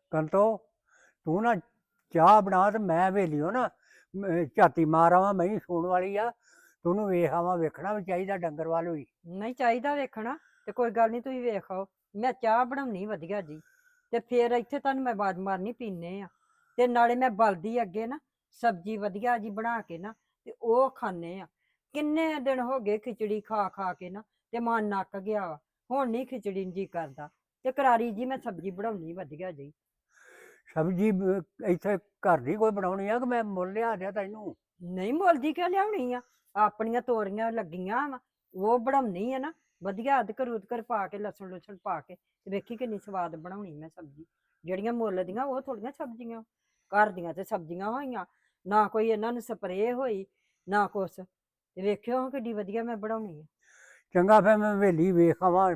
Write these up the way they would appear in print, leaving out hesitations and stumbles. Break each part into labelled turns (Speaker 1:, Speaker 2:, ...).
Speaker 1: ਕੰਤੋ ਤੂੰ ਨਾ ਚਾਹ ਬਣਾ ਤੇ ਮੈਂ ਵੇਲੀਓ ਨਾ ਝਾਤੀ ਮਾਰ ਆਵਾਂ, ਮੈਂ ਸੂਣ ਵਾਲੀ ਆ। ਤੈਨੂੰ ਵੇਖ ਆਵਾਂ, ਵੇਖਣਾ ਵੀ ਚਾਹੀਦਾ ਡੰਗਰ ਵੱਲ ਵੀ।
Speaker 2: ਨਹੀਂ ਚਾਹੀਦਾ ਵੇਖਣਾ ਤੇ ਕੋਈ ਗੱਲ ਨਹੀਂ, ਤੁਸੀਂ ਵੇਖ ਆਓ। ਮੈਂ ਚਾਹ ਬਣਾਉਣੀ ਵਧੀਆ ਜੀ, ਤੇ ਫਿਰ ਇੱਥੇ ਤੁਹਾਨੂੰ ਮੈਂ ਆਵਾਜ਼ ਮਾਰਨੀ, ਪੀਨੇ ਆ। ਤੇ ਨਾਲੇ ਮੈਂ ਬਲਦੀ ਅੱਗੇ ਨਾ ਸਬਜ਼ੀ ਵਧੀਆ ਜੀ ਬਣਾ ਕੇ ਨਾ ਤੇ ਉਹ ਖਾਣੇ ਆ। ਕਿੰਨੇ ਦਿਨ ਹੋ ਗਏ ਖਿਚੜੀ ਖਾ ਖਾ ਕੇ ਨਾ, ਤੇ ਮਨ ਨੱਕ ਗਿਆ ਵਾ। ਹੁਣ ਨਹੀਂ ਖਿਚੜੀ ਨੂੰ ਜੀ ਕਰਦਾ, ਤੇ ਕਰਾਰੀ ਜੀ ਮੈਂ ਸਬਜ਼ੀ ਬਣਾਉਣੀ ਵਧੀਆ ਜੀ।
Speaker 1: ਸਬਜ਼ੀ ਇੱਥੇ ਘਰ ਦੀ ਕੋਈ ਬਣਾਉਣੀ ਆ ਕਿ ਮੈਂ ਮੁੱਲ ਲਿਆ ਦਿਆ ਤੈਨੂੰ?
Speaker 2: ਨਹੀਂ ਮੁੱਲ ਦੀ ਕਿਉਂ ਲਿਆਉਣੀ ਆ? ਆਪਣੀਆਂ ਤੋਰੀਆਂ ਲੱਗੀਆਂ ਵਾ, ਉਹ ਬਣਾਉਣੀ ਆ ਨਾ ਵਧੀਆ, ਅਦਰਕ ਉਦਕਰ ਪਾ ਕੇ, ਲਸਣ ਲੁਸਣ ਪਾ ਕੇ, ਤੇ ਵੇਖੀ ਕਿੰਨੀ ਸਵਾਦ ਬਣਾਉਣੀ ਮੈਂ ਸਬਜ਼ੀ। ਜਿਹੜੀਆਂ ਮੁੱਲ ਦੀਆਂ ਉਹ ਥੋੜੀਆਂ ਸਬਜ਼ੀਆਂ, ਘਰ ਦੀਆਂ ਤੇ ਸਬਜ਼ੀਆਂ ਹੋਈਆਂ, ਨਾ ਕੋਈ ਇਹਨਾਂ ਨੂੰ ਸਪਰੇਅ ਹੋਈ ਨਾ ਕੁਛ। ਤੇ ਵੇਖਿਓ ਕਿੱਡੀ ਵਧੀਆ ਮੈਂ ਬਣਾਉਣੀ ਆ।
Speaker 1: ਚੰਗਾ ਫਿਰ ਮੈਂ ਹਵੇਲੀ ਵੇਖ ਆਵਾਂ।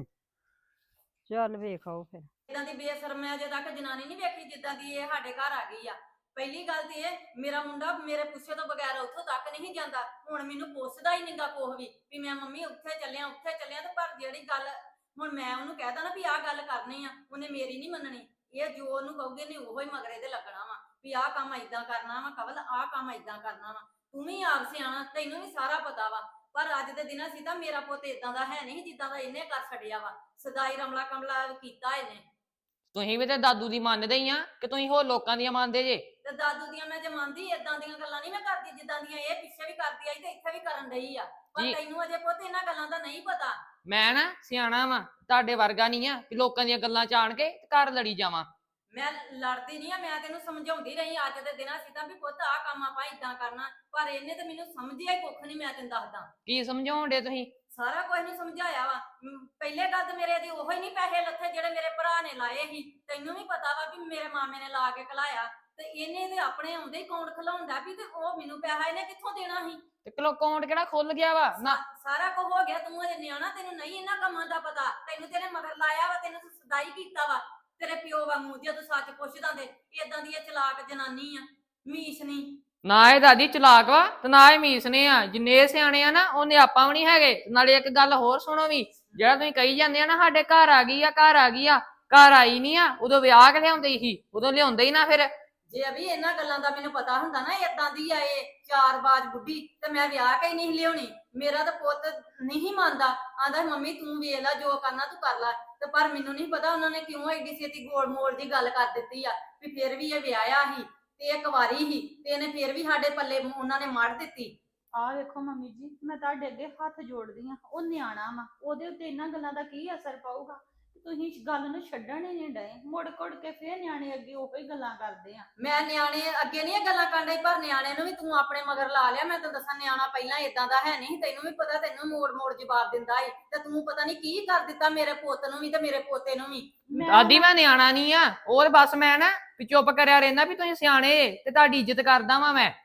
Speaker 2: ਚੱਲ ਵੇਖ ਆਓ ਫਿਰ।
Speaker 3: ਇਦਾਂ ਦੀ ਬੇਸ਼ਰਮ ਅਜੇ ਤੱਕ ਜਨਾਨੀ ਨਹੀਂ ਵੇਖੀ ਜਿੱਦਾਂ ਦੀ ਇਹ ਸਾਡੇ ਘਰ ਆ ਗਈ ਆ। ਪਹਿਲੀ ਗੱਲ ਤੇ ਇਹ, ਮੇਰਾ ਮੁੰਡਾ ਮੇਰੇ ਪੁੱਛੇ ਤੋਂ ਬਗੈਰ ਉੱਥੋਂ ਤੱਕ ਨਹੀਂ ਜਾਂਦਾ। ਹੁਣ ਮੈਨੂੰ ਪੁੱਛਦਾ ਹੀ ਨਹੀਂਗਾ ਕੁਛ ਵੀ ਮੈਂ ਮੰਮੀ ਉੱਥੇ ਚੱਲਿਆ ਤੇ ਪਰ ਜਿਹੜੀ ਗੱਲ ਹੁਣ ਮੈਂ ਉਹਨੂੰ ਕਹਿਦਾ ਨਾ ਵੀ ਆਹ ਗੱਲ ਕਰਨੀ ਆ, ਉਹਨੇ ਮੇਰੀ ਨਹੀਂ ਮੰਨਣੀ। ਇਹ ਜੋ ਉਹਨੂੰ ਕਹੂਗੇ ਨੇ ਉਹੋ ਹੀ ਮਗਰੇ ਤੇ ਲੱਗਣਾ ਵਾ ਵੀ ਆਹ ਕੰਮ ਏਦਾਂ ਕਰਨਾ ਵਾ, ਕਵਲ ਆਹ ਕੰਮ ਏਦਾਂ ਕਰਨਾ ਵਾ। ਤੂੰ ਵੀ ਆਪ ਸਿਆਣਾ, ਤੈਨੂੰ ਵੀ ਸਾਰਾ ਪਤਾ ਵਾ। ਪਰ ਅੱਜ ਦੇ ਦਿਨਾਂ ਸੀ ਤਾਂ ਮੇਰਾ ਪੁੱਤ ਇਦਾਂ ਦਾ ਹੈ ਨਹੀਂ ਜਿੱਦਾਂ ਦਾ ਇਹਨੇ ਕਰ ਛੱਡਿਆ ਵਾ। ਸਦਾਈ ਰਮਲਾ ਕਮਲਾ ਕੀਤਾ ਇਹਨੇ।
Speaker 4: ਤੁਸੀਂ ਵੀ ਤੇ ਦਾਦੂ ਦੀ ਮੰਨਦੇ ਹੀ ਆ ਕਿ ਤੁਸੀਂ ਹੋਰ ਲੋਕਾਂ ਦੀਆਂ ਮੰਨਦੇ ਜੇ?
Speaker 3: ਤੇ ਦਾਦੂ ਦੀਆਂ ਮੈਂ ਜਮਾਂਦੀ, ਏਦਾਂ ਦੀਆਂ ਗੱਲਾਂ ਨਹੀਂ ਮੈਂ ਕਰਦੀ ਜਿੱਦਾਂ ਦੀਆਂ ਇਹ ਪਿੱਛੇ ਵੀ ਕਰਦੀ ਆਈ ਤੇ ਇੱਥੇ ਵੀ ਕਰਨ ਡਈ ਆ। ਪਰ ਤੈਨੂੰ ਅਜੇ ਪੁੱਤ ਇਹਨਾਂ ਗੱਲਾਂ ਦਾ ਨਹੀਂ ਪਤਾ।
Speaker 4: ਮੈਂ ਨਾ ਸਿਆਣਾ ਵਾ, ਤੁਹਾਡੇ ਵਰਗਾ ਨਹੀਂ ਆ ਕਿ ਲੋਕਾਂ ਦੀਆਂ ਗੱਲਾਂ ਚਾਣ ਕੇ ਘਰ ਲੜੀ ਜਾਵਾਂ।
Speaker 3: ਮੈਂ ਲੜਦੀ ਨਹੀਂ ਆ, ਮੈਂ ਤੈਨੂੰ ਸਮਝਾਉਂਦੀ ਰਹੀ ਅੱਜ ਦੇ ਦਿਨਾਂ ਸੀ ਤਾਂ ਵੀ ਪੁੱਤ ਆਹ ਕੰਮ ਆਪਾਂ ਇਦਾਂ ਕਰਨਾ। ਪਰ ਇਹਨੇ ਤੇ ਮੈਨੂੰ ਸਮਝਿਆ ਹੀ ਕੁੱਖ ਨਹੀਂ। ਮੈਂ ਤੈਨੂੰ ਦੱਸਦਾ
Speaker 4: ਕੀ ਸਮਝਾਉਣ ਡੇ ਤੁਸੀਂ?
Speaker 3: ਸਾਰਾ ਕੁਝ ਨਹੀਂ ਸਮਝਾਇਆ ਵਾ। ਪਹਿਲੇ ਗੱਲ ਤੇ ਮੇਰੇ ਦੀ ਉਹੋ ਹੀ ਨਹੀਂ ਪੈਸੇ ਲੱਥੇ ਜਿਹੜੇ ਮੇਰੇ ਭਰਾ ਨੇ ਲਾਏ ਸੀ। ਤੈਨੂੰ ਵੀ ਪਤਾ ਵਾ ਵੀ ਮੇਰੇ ਮਾਮੇ ਨੇ ਲਾ ਕੇ ਘਲਾਇਆ, ਤੇ ਇਹਨੇ ਤੇ ਆਪਣੇ ਆਉਂਦੇ ਹੀ ਕੌਣ ਖਲਾਉਂਦਾ ਵੀ, ਤੇ ਉਹ ਮੈਨੂੰ ਪੈਸਾ ਇਹਨੇ ਕਿੱਥੋਂ ਦੇਣਾ ਸੀ?
Speaker 4: ਤੇ ਕਿਲੋ ਅਕਾਊਂਟ ਕਿਹੜਾ ਖੁੱਲ ਗਿਆ ਵਾ ਨਾ?
Speaker 3: ਸਾਰਾ ਕੁਝ ਹੋ ਗਿਆ। ਤੂੰ ਅਜੇ ਨਿਆਣਾ, ਤੈਨੂੰ ਨਹੀਂ ਇਹਨਾਂ ਕੰਮਾਂ ਦਾ ਪਤਾ। ਤੈਨੂੰ ਤੇਰੇ ਮਗਰ ਲਾਇਆ ਵਾ, ਤੈਨੂੰ ਸਦਾਈ ਕੀਤਾ ਵਾ ਤੇਰੇ ਪਿਓ ਵਾਂਗੂ। ਜਦੋਂ ਸੱਚ ਪੁੱਛਦਾ ਤੇ ਇਦਾਂ ਦੀ ਇਹ ਚਲਾਕ ਜਨਾਨੀ ਆ, ਮੀਸ ਨਹੀਂ।
Speaker 4: ਨਾ ਇਹ ਦਾਦੀ ਚਲਾਕ ਵਾ ਤੇ ਨਾ ਇਹ ਮੀਸਨੇ ਆ। ਜਿੰਨੇ ਸਿਆਣੇ ਆ ਨਾ ਉਹਨੇ ਆਪਾਂ ਵੀ ਨਹੀਂ ਹੈਗੇ। ਨਾਲੇ ਇੱਕ ਗੱਲ ਹੋਰ ਸੁਣੋ ਵੀ, ਜਿਹੜਾ ਤੁਸੀਂ ਕਹੀ ਜਾਂਦੇ ਆ ਨਾ ਸਾਡੇ ਘਰ ਆ ਗਈ ਆ, ਘਰ ਆ ਗਈ ਆ, ਘਰ ਆਈ ਨਹੀਂ ਆ। ਉਦੋਂ ਵਿਆਹ ਕੇ ਲਿਆਉਂਦੇ ਸੀ, ਉਦੋਂ ਲਿਆਉਂਦੇ ਹੀ ਨਾ। ਫਿਰ
Speaker 3: ਜੇ ਅਭੀ ਇਹਨਾਂ ਗੱਲਾਂ ਦਾ ਮੈਨੂੰ ਪਤਾ ਹੁੰਦਾ ਨਾ ਇਦਾਂ ਦੀ ਆ ਇਹ ਚਾਰਬਾਜ਼ ਬੁੱਢੀ, ਤੇ ਮੈਂ ਵਿਆਹ ਕੇ ਹੀ ਨਹੀਂ ਲਿਆਉਣੀ। ਮੇਰਾ ਤਾਂ ਪੁੱਤ ਨਹੀਂ ਮੰਨਦਾ, ਆਂਦਾ ਮੰਮੀ ਤੂੰ ਵੇਖ ਲੈ ਜੋ ਕਰਨਾ ਤੂੰ ਕਰ ਲੈ। ਤੇ ਪਰ ਮੈਨੂੰ ਨਹੀਂ ਪਤਾ ਉਹਨਾਂ ਨੇ ਕਿਉਂ ਐਡੀ ਛੇਤੀ ਗੋਲ ਮੋਲ ਦੀ ਗੱਲ ਕਰ ਦਿੱਤੀ ਆ ਵੀ ਫਿਰ ਵੀ ਇਹ ਵਿਆਹਿਆ ਸੀ ਤੇ ਇਹ ਕੁਵਾਰੀ ਸੀ, ਤੇ ਇਹਨੇ ਫਿਰ ਵੀ ਸਾਡੇ ਪੱਲੇ ਉਹਨਾਂ ਨੇ ਮੜ ਦਿੱਤੀ।
Speaker 5: ਆਹ ਵੇਖੋ ਮੰਮੀ ਜੀ, ਮੈਂ ਤੁਹਾਡੇ ਅੱਗੇ ਹੱਥ ਜੋੜਦੀ ਆ। ਉਹ ਨਿਆਣਾ ਵਾ, ਉਹਦੇ ਉੱਤੇ ਇਹਨਾਂ ਗੱਲਾਂ ਦਾ ਕੀ ਅਸਰ ਪਾਊਗਾ? ਤੁਸੀਂ ਇਸ ਗੱਲ ਨੂੰ ਛੱਡਣ ਹੀ ਨਹੀਂ ਡਏ, ਮੁੜ ਕੁੜ ਕੇ ਫੇਰ ਨਿਆਣੇ ਅੱਗੇ ਉਹੀ ਗੱਲਾਂ ਕਰਦੇ ਆ।
Speaker 3: ਮੈਂ ਨਿਆਣੇ ਅੱਗੇ ਨਹੀਂ ਇਹ ਗੱਲਾਂ ਕਰਨ ਡਈ, ਪਰ ਨਿਆਣੇ ਨੂੰ ਵੀ ਤੂੰ ਆਪਣੇ ਮਗਰ ਲਾ ਲਿਆ। ਮੈਂ ਤੈਨੂੰ ਦੱਸਾਂ, ਨਿਆਣਾ ਪਹਿਲਾਂ ਇਦਾਂ ਦਾ ਹੈ ਨਹੀਂ। ਤੈਨੂੰ ਵੀ ਪਤਾ, ਤੈਨੂੰ ਮੋੜ ਮੋੜ ਜਵਾਬ ਦਿੰਦਾ ਏ, ਤੇ ਤੂੰ ਪਤਾ ਨਹੀਂ ਕੀ ਕਰ ਦਿੱਤਾ ਮੇਰੇ ਪੁੱਤ ਨੂੰ ਵੀ ਤੇ ਮੇਰੇ ਪੋਤੇ ਨੂੰ ਵੀ।
Speaker 4: ਦਾਦੀ ਮੈਂ ਨਿਆਣਾ ਨਹੀਂ ਆ, ਉਹ ਬਸ ਮੈਂ ਨਾ ਵੀ ਚੁੱਪ ਕਰਿਆ ਰਹਿੰਦਾ ਵੀ ਤੁਸੀਂ ਸਿਆਣੇ ਤੇ ਤੁਹਾਡੀ ਇੱਜ਼ਤ ਕਰਦਾ ਵਾਂ ਮੈਂ।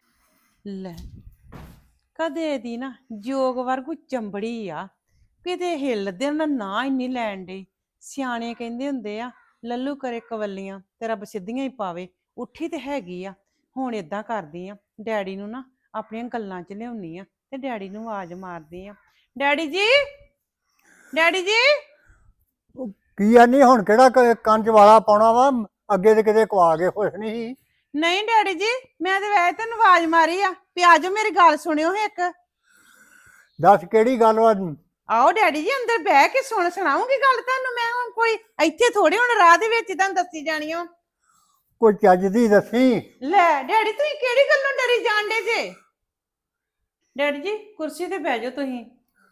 Speaker 6: ਲੈ ਕਦੇ ਦੀ ਨਾ ਜੋਗ ਵਰਗੂ ਚੰਬੜੀ ਆ, ਕਿਤੇ ਹਿੱਲਦੇ ਨਾ ਇੰਨੀ ਲੈਣ ਡਈ। ਸਿਆਣੇ ਕਹਿੰਦੇ ਹੁੰਦੇ ਆ ਲੱਲੂ ਕਰੇ ਕਵੱਲੀਆਂ ਤੇ ਰੱਬ ਸਿੱਧੀਆਂ ਹੀ ਪਾਵੇ। ਉੱਠੀ ਤੇ ਹੈਗੀ ਆ। ਹੁਣ ਏਦਾਂ ਕਰਦੀ ਆ, ਡੈਡੀ ਨੂੰ ਨਾ ਆਪਣੀਆਂ ਗੱਲਾਂ 'ਚ ਲਿਆਉਣੀ ਆ ਤੇ ਡੈਡੀ ਨੂੰ ਆਵਾਜ਼ ਮਾਰਦੀ ਆ। ਡੈਡੀ ਜੀ, ਡੈਡੀ ਜੀ।
Speaker 1: ਕੀ ਆ? ਨਹੀਂ ਹੁਣ ਕਿਹੜਾ ਕੰਜ ਵਾਲਾ ਪਾਉਣਾ ਵਾ? ਅੱਗੇ ਤੇ ਕਿਤੇ ਕਵਾ ਕੇ ਖੁਸ਼ ਨਹੀਂ ਸੀ।
Speaker 6: ਨਹੀਂ ਡੈਡੀ ਜੀ, ਮੈਂ ਤੇ ਵੈਸੇ ਤੈਨੂੰ ਆਵਾਜ਼ ਮਾਰੀ ਆ ਵੀ ਆਜੋ ਮੇਰੀ ਗੱਲ ਸੁਣਿਓ ਇੱਕ।
Speaker 1: ਦੱਸ ਕਿਹੜੀ ਗੱਲ ਵਾ?
Speaker 6: ਆਓ ਡੈਡੀ ਜੀ ਅੰਦਰ ਬਹਿ ਕੇ ਸੁਣਾਉਂਗੀ ਗੱਲ ਤੁਹਾਨੂੰ ਮੈਂ। ਹੁਣ ਕੋਈ ਇੱਥੇ ਥੋੜੀ ਹੁਣ ਰਾਹ ਦੇ ਵਿੱਚ ਤੁਹਾਨੂੰ ਦੱਸੀ ਜਾਣੀ ਓ।
Speaker 1: ਕੋਈ ਚੱਜ ਦੀ ਦੱਸੀ।
Speaker 6: ਲੈ ਡੈਡੀ ਤੁਸੀਂ ਕਿਹੜੀ ਗੱਲੋਂ ਡਰੀ ਜਾਂਦੇ ਜੇ? ਡੈਡੀ ਜੀ ਕੁਰਸੀ ਤੇ ਬਹਿ ਜਾਓ ਤੁਸੀਂ।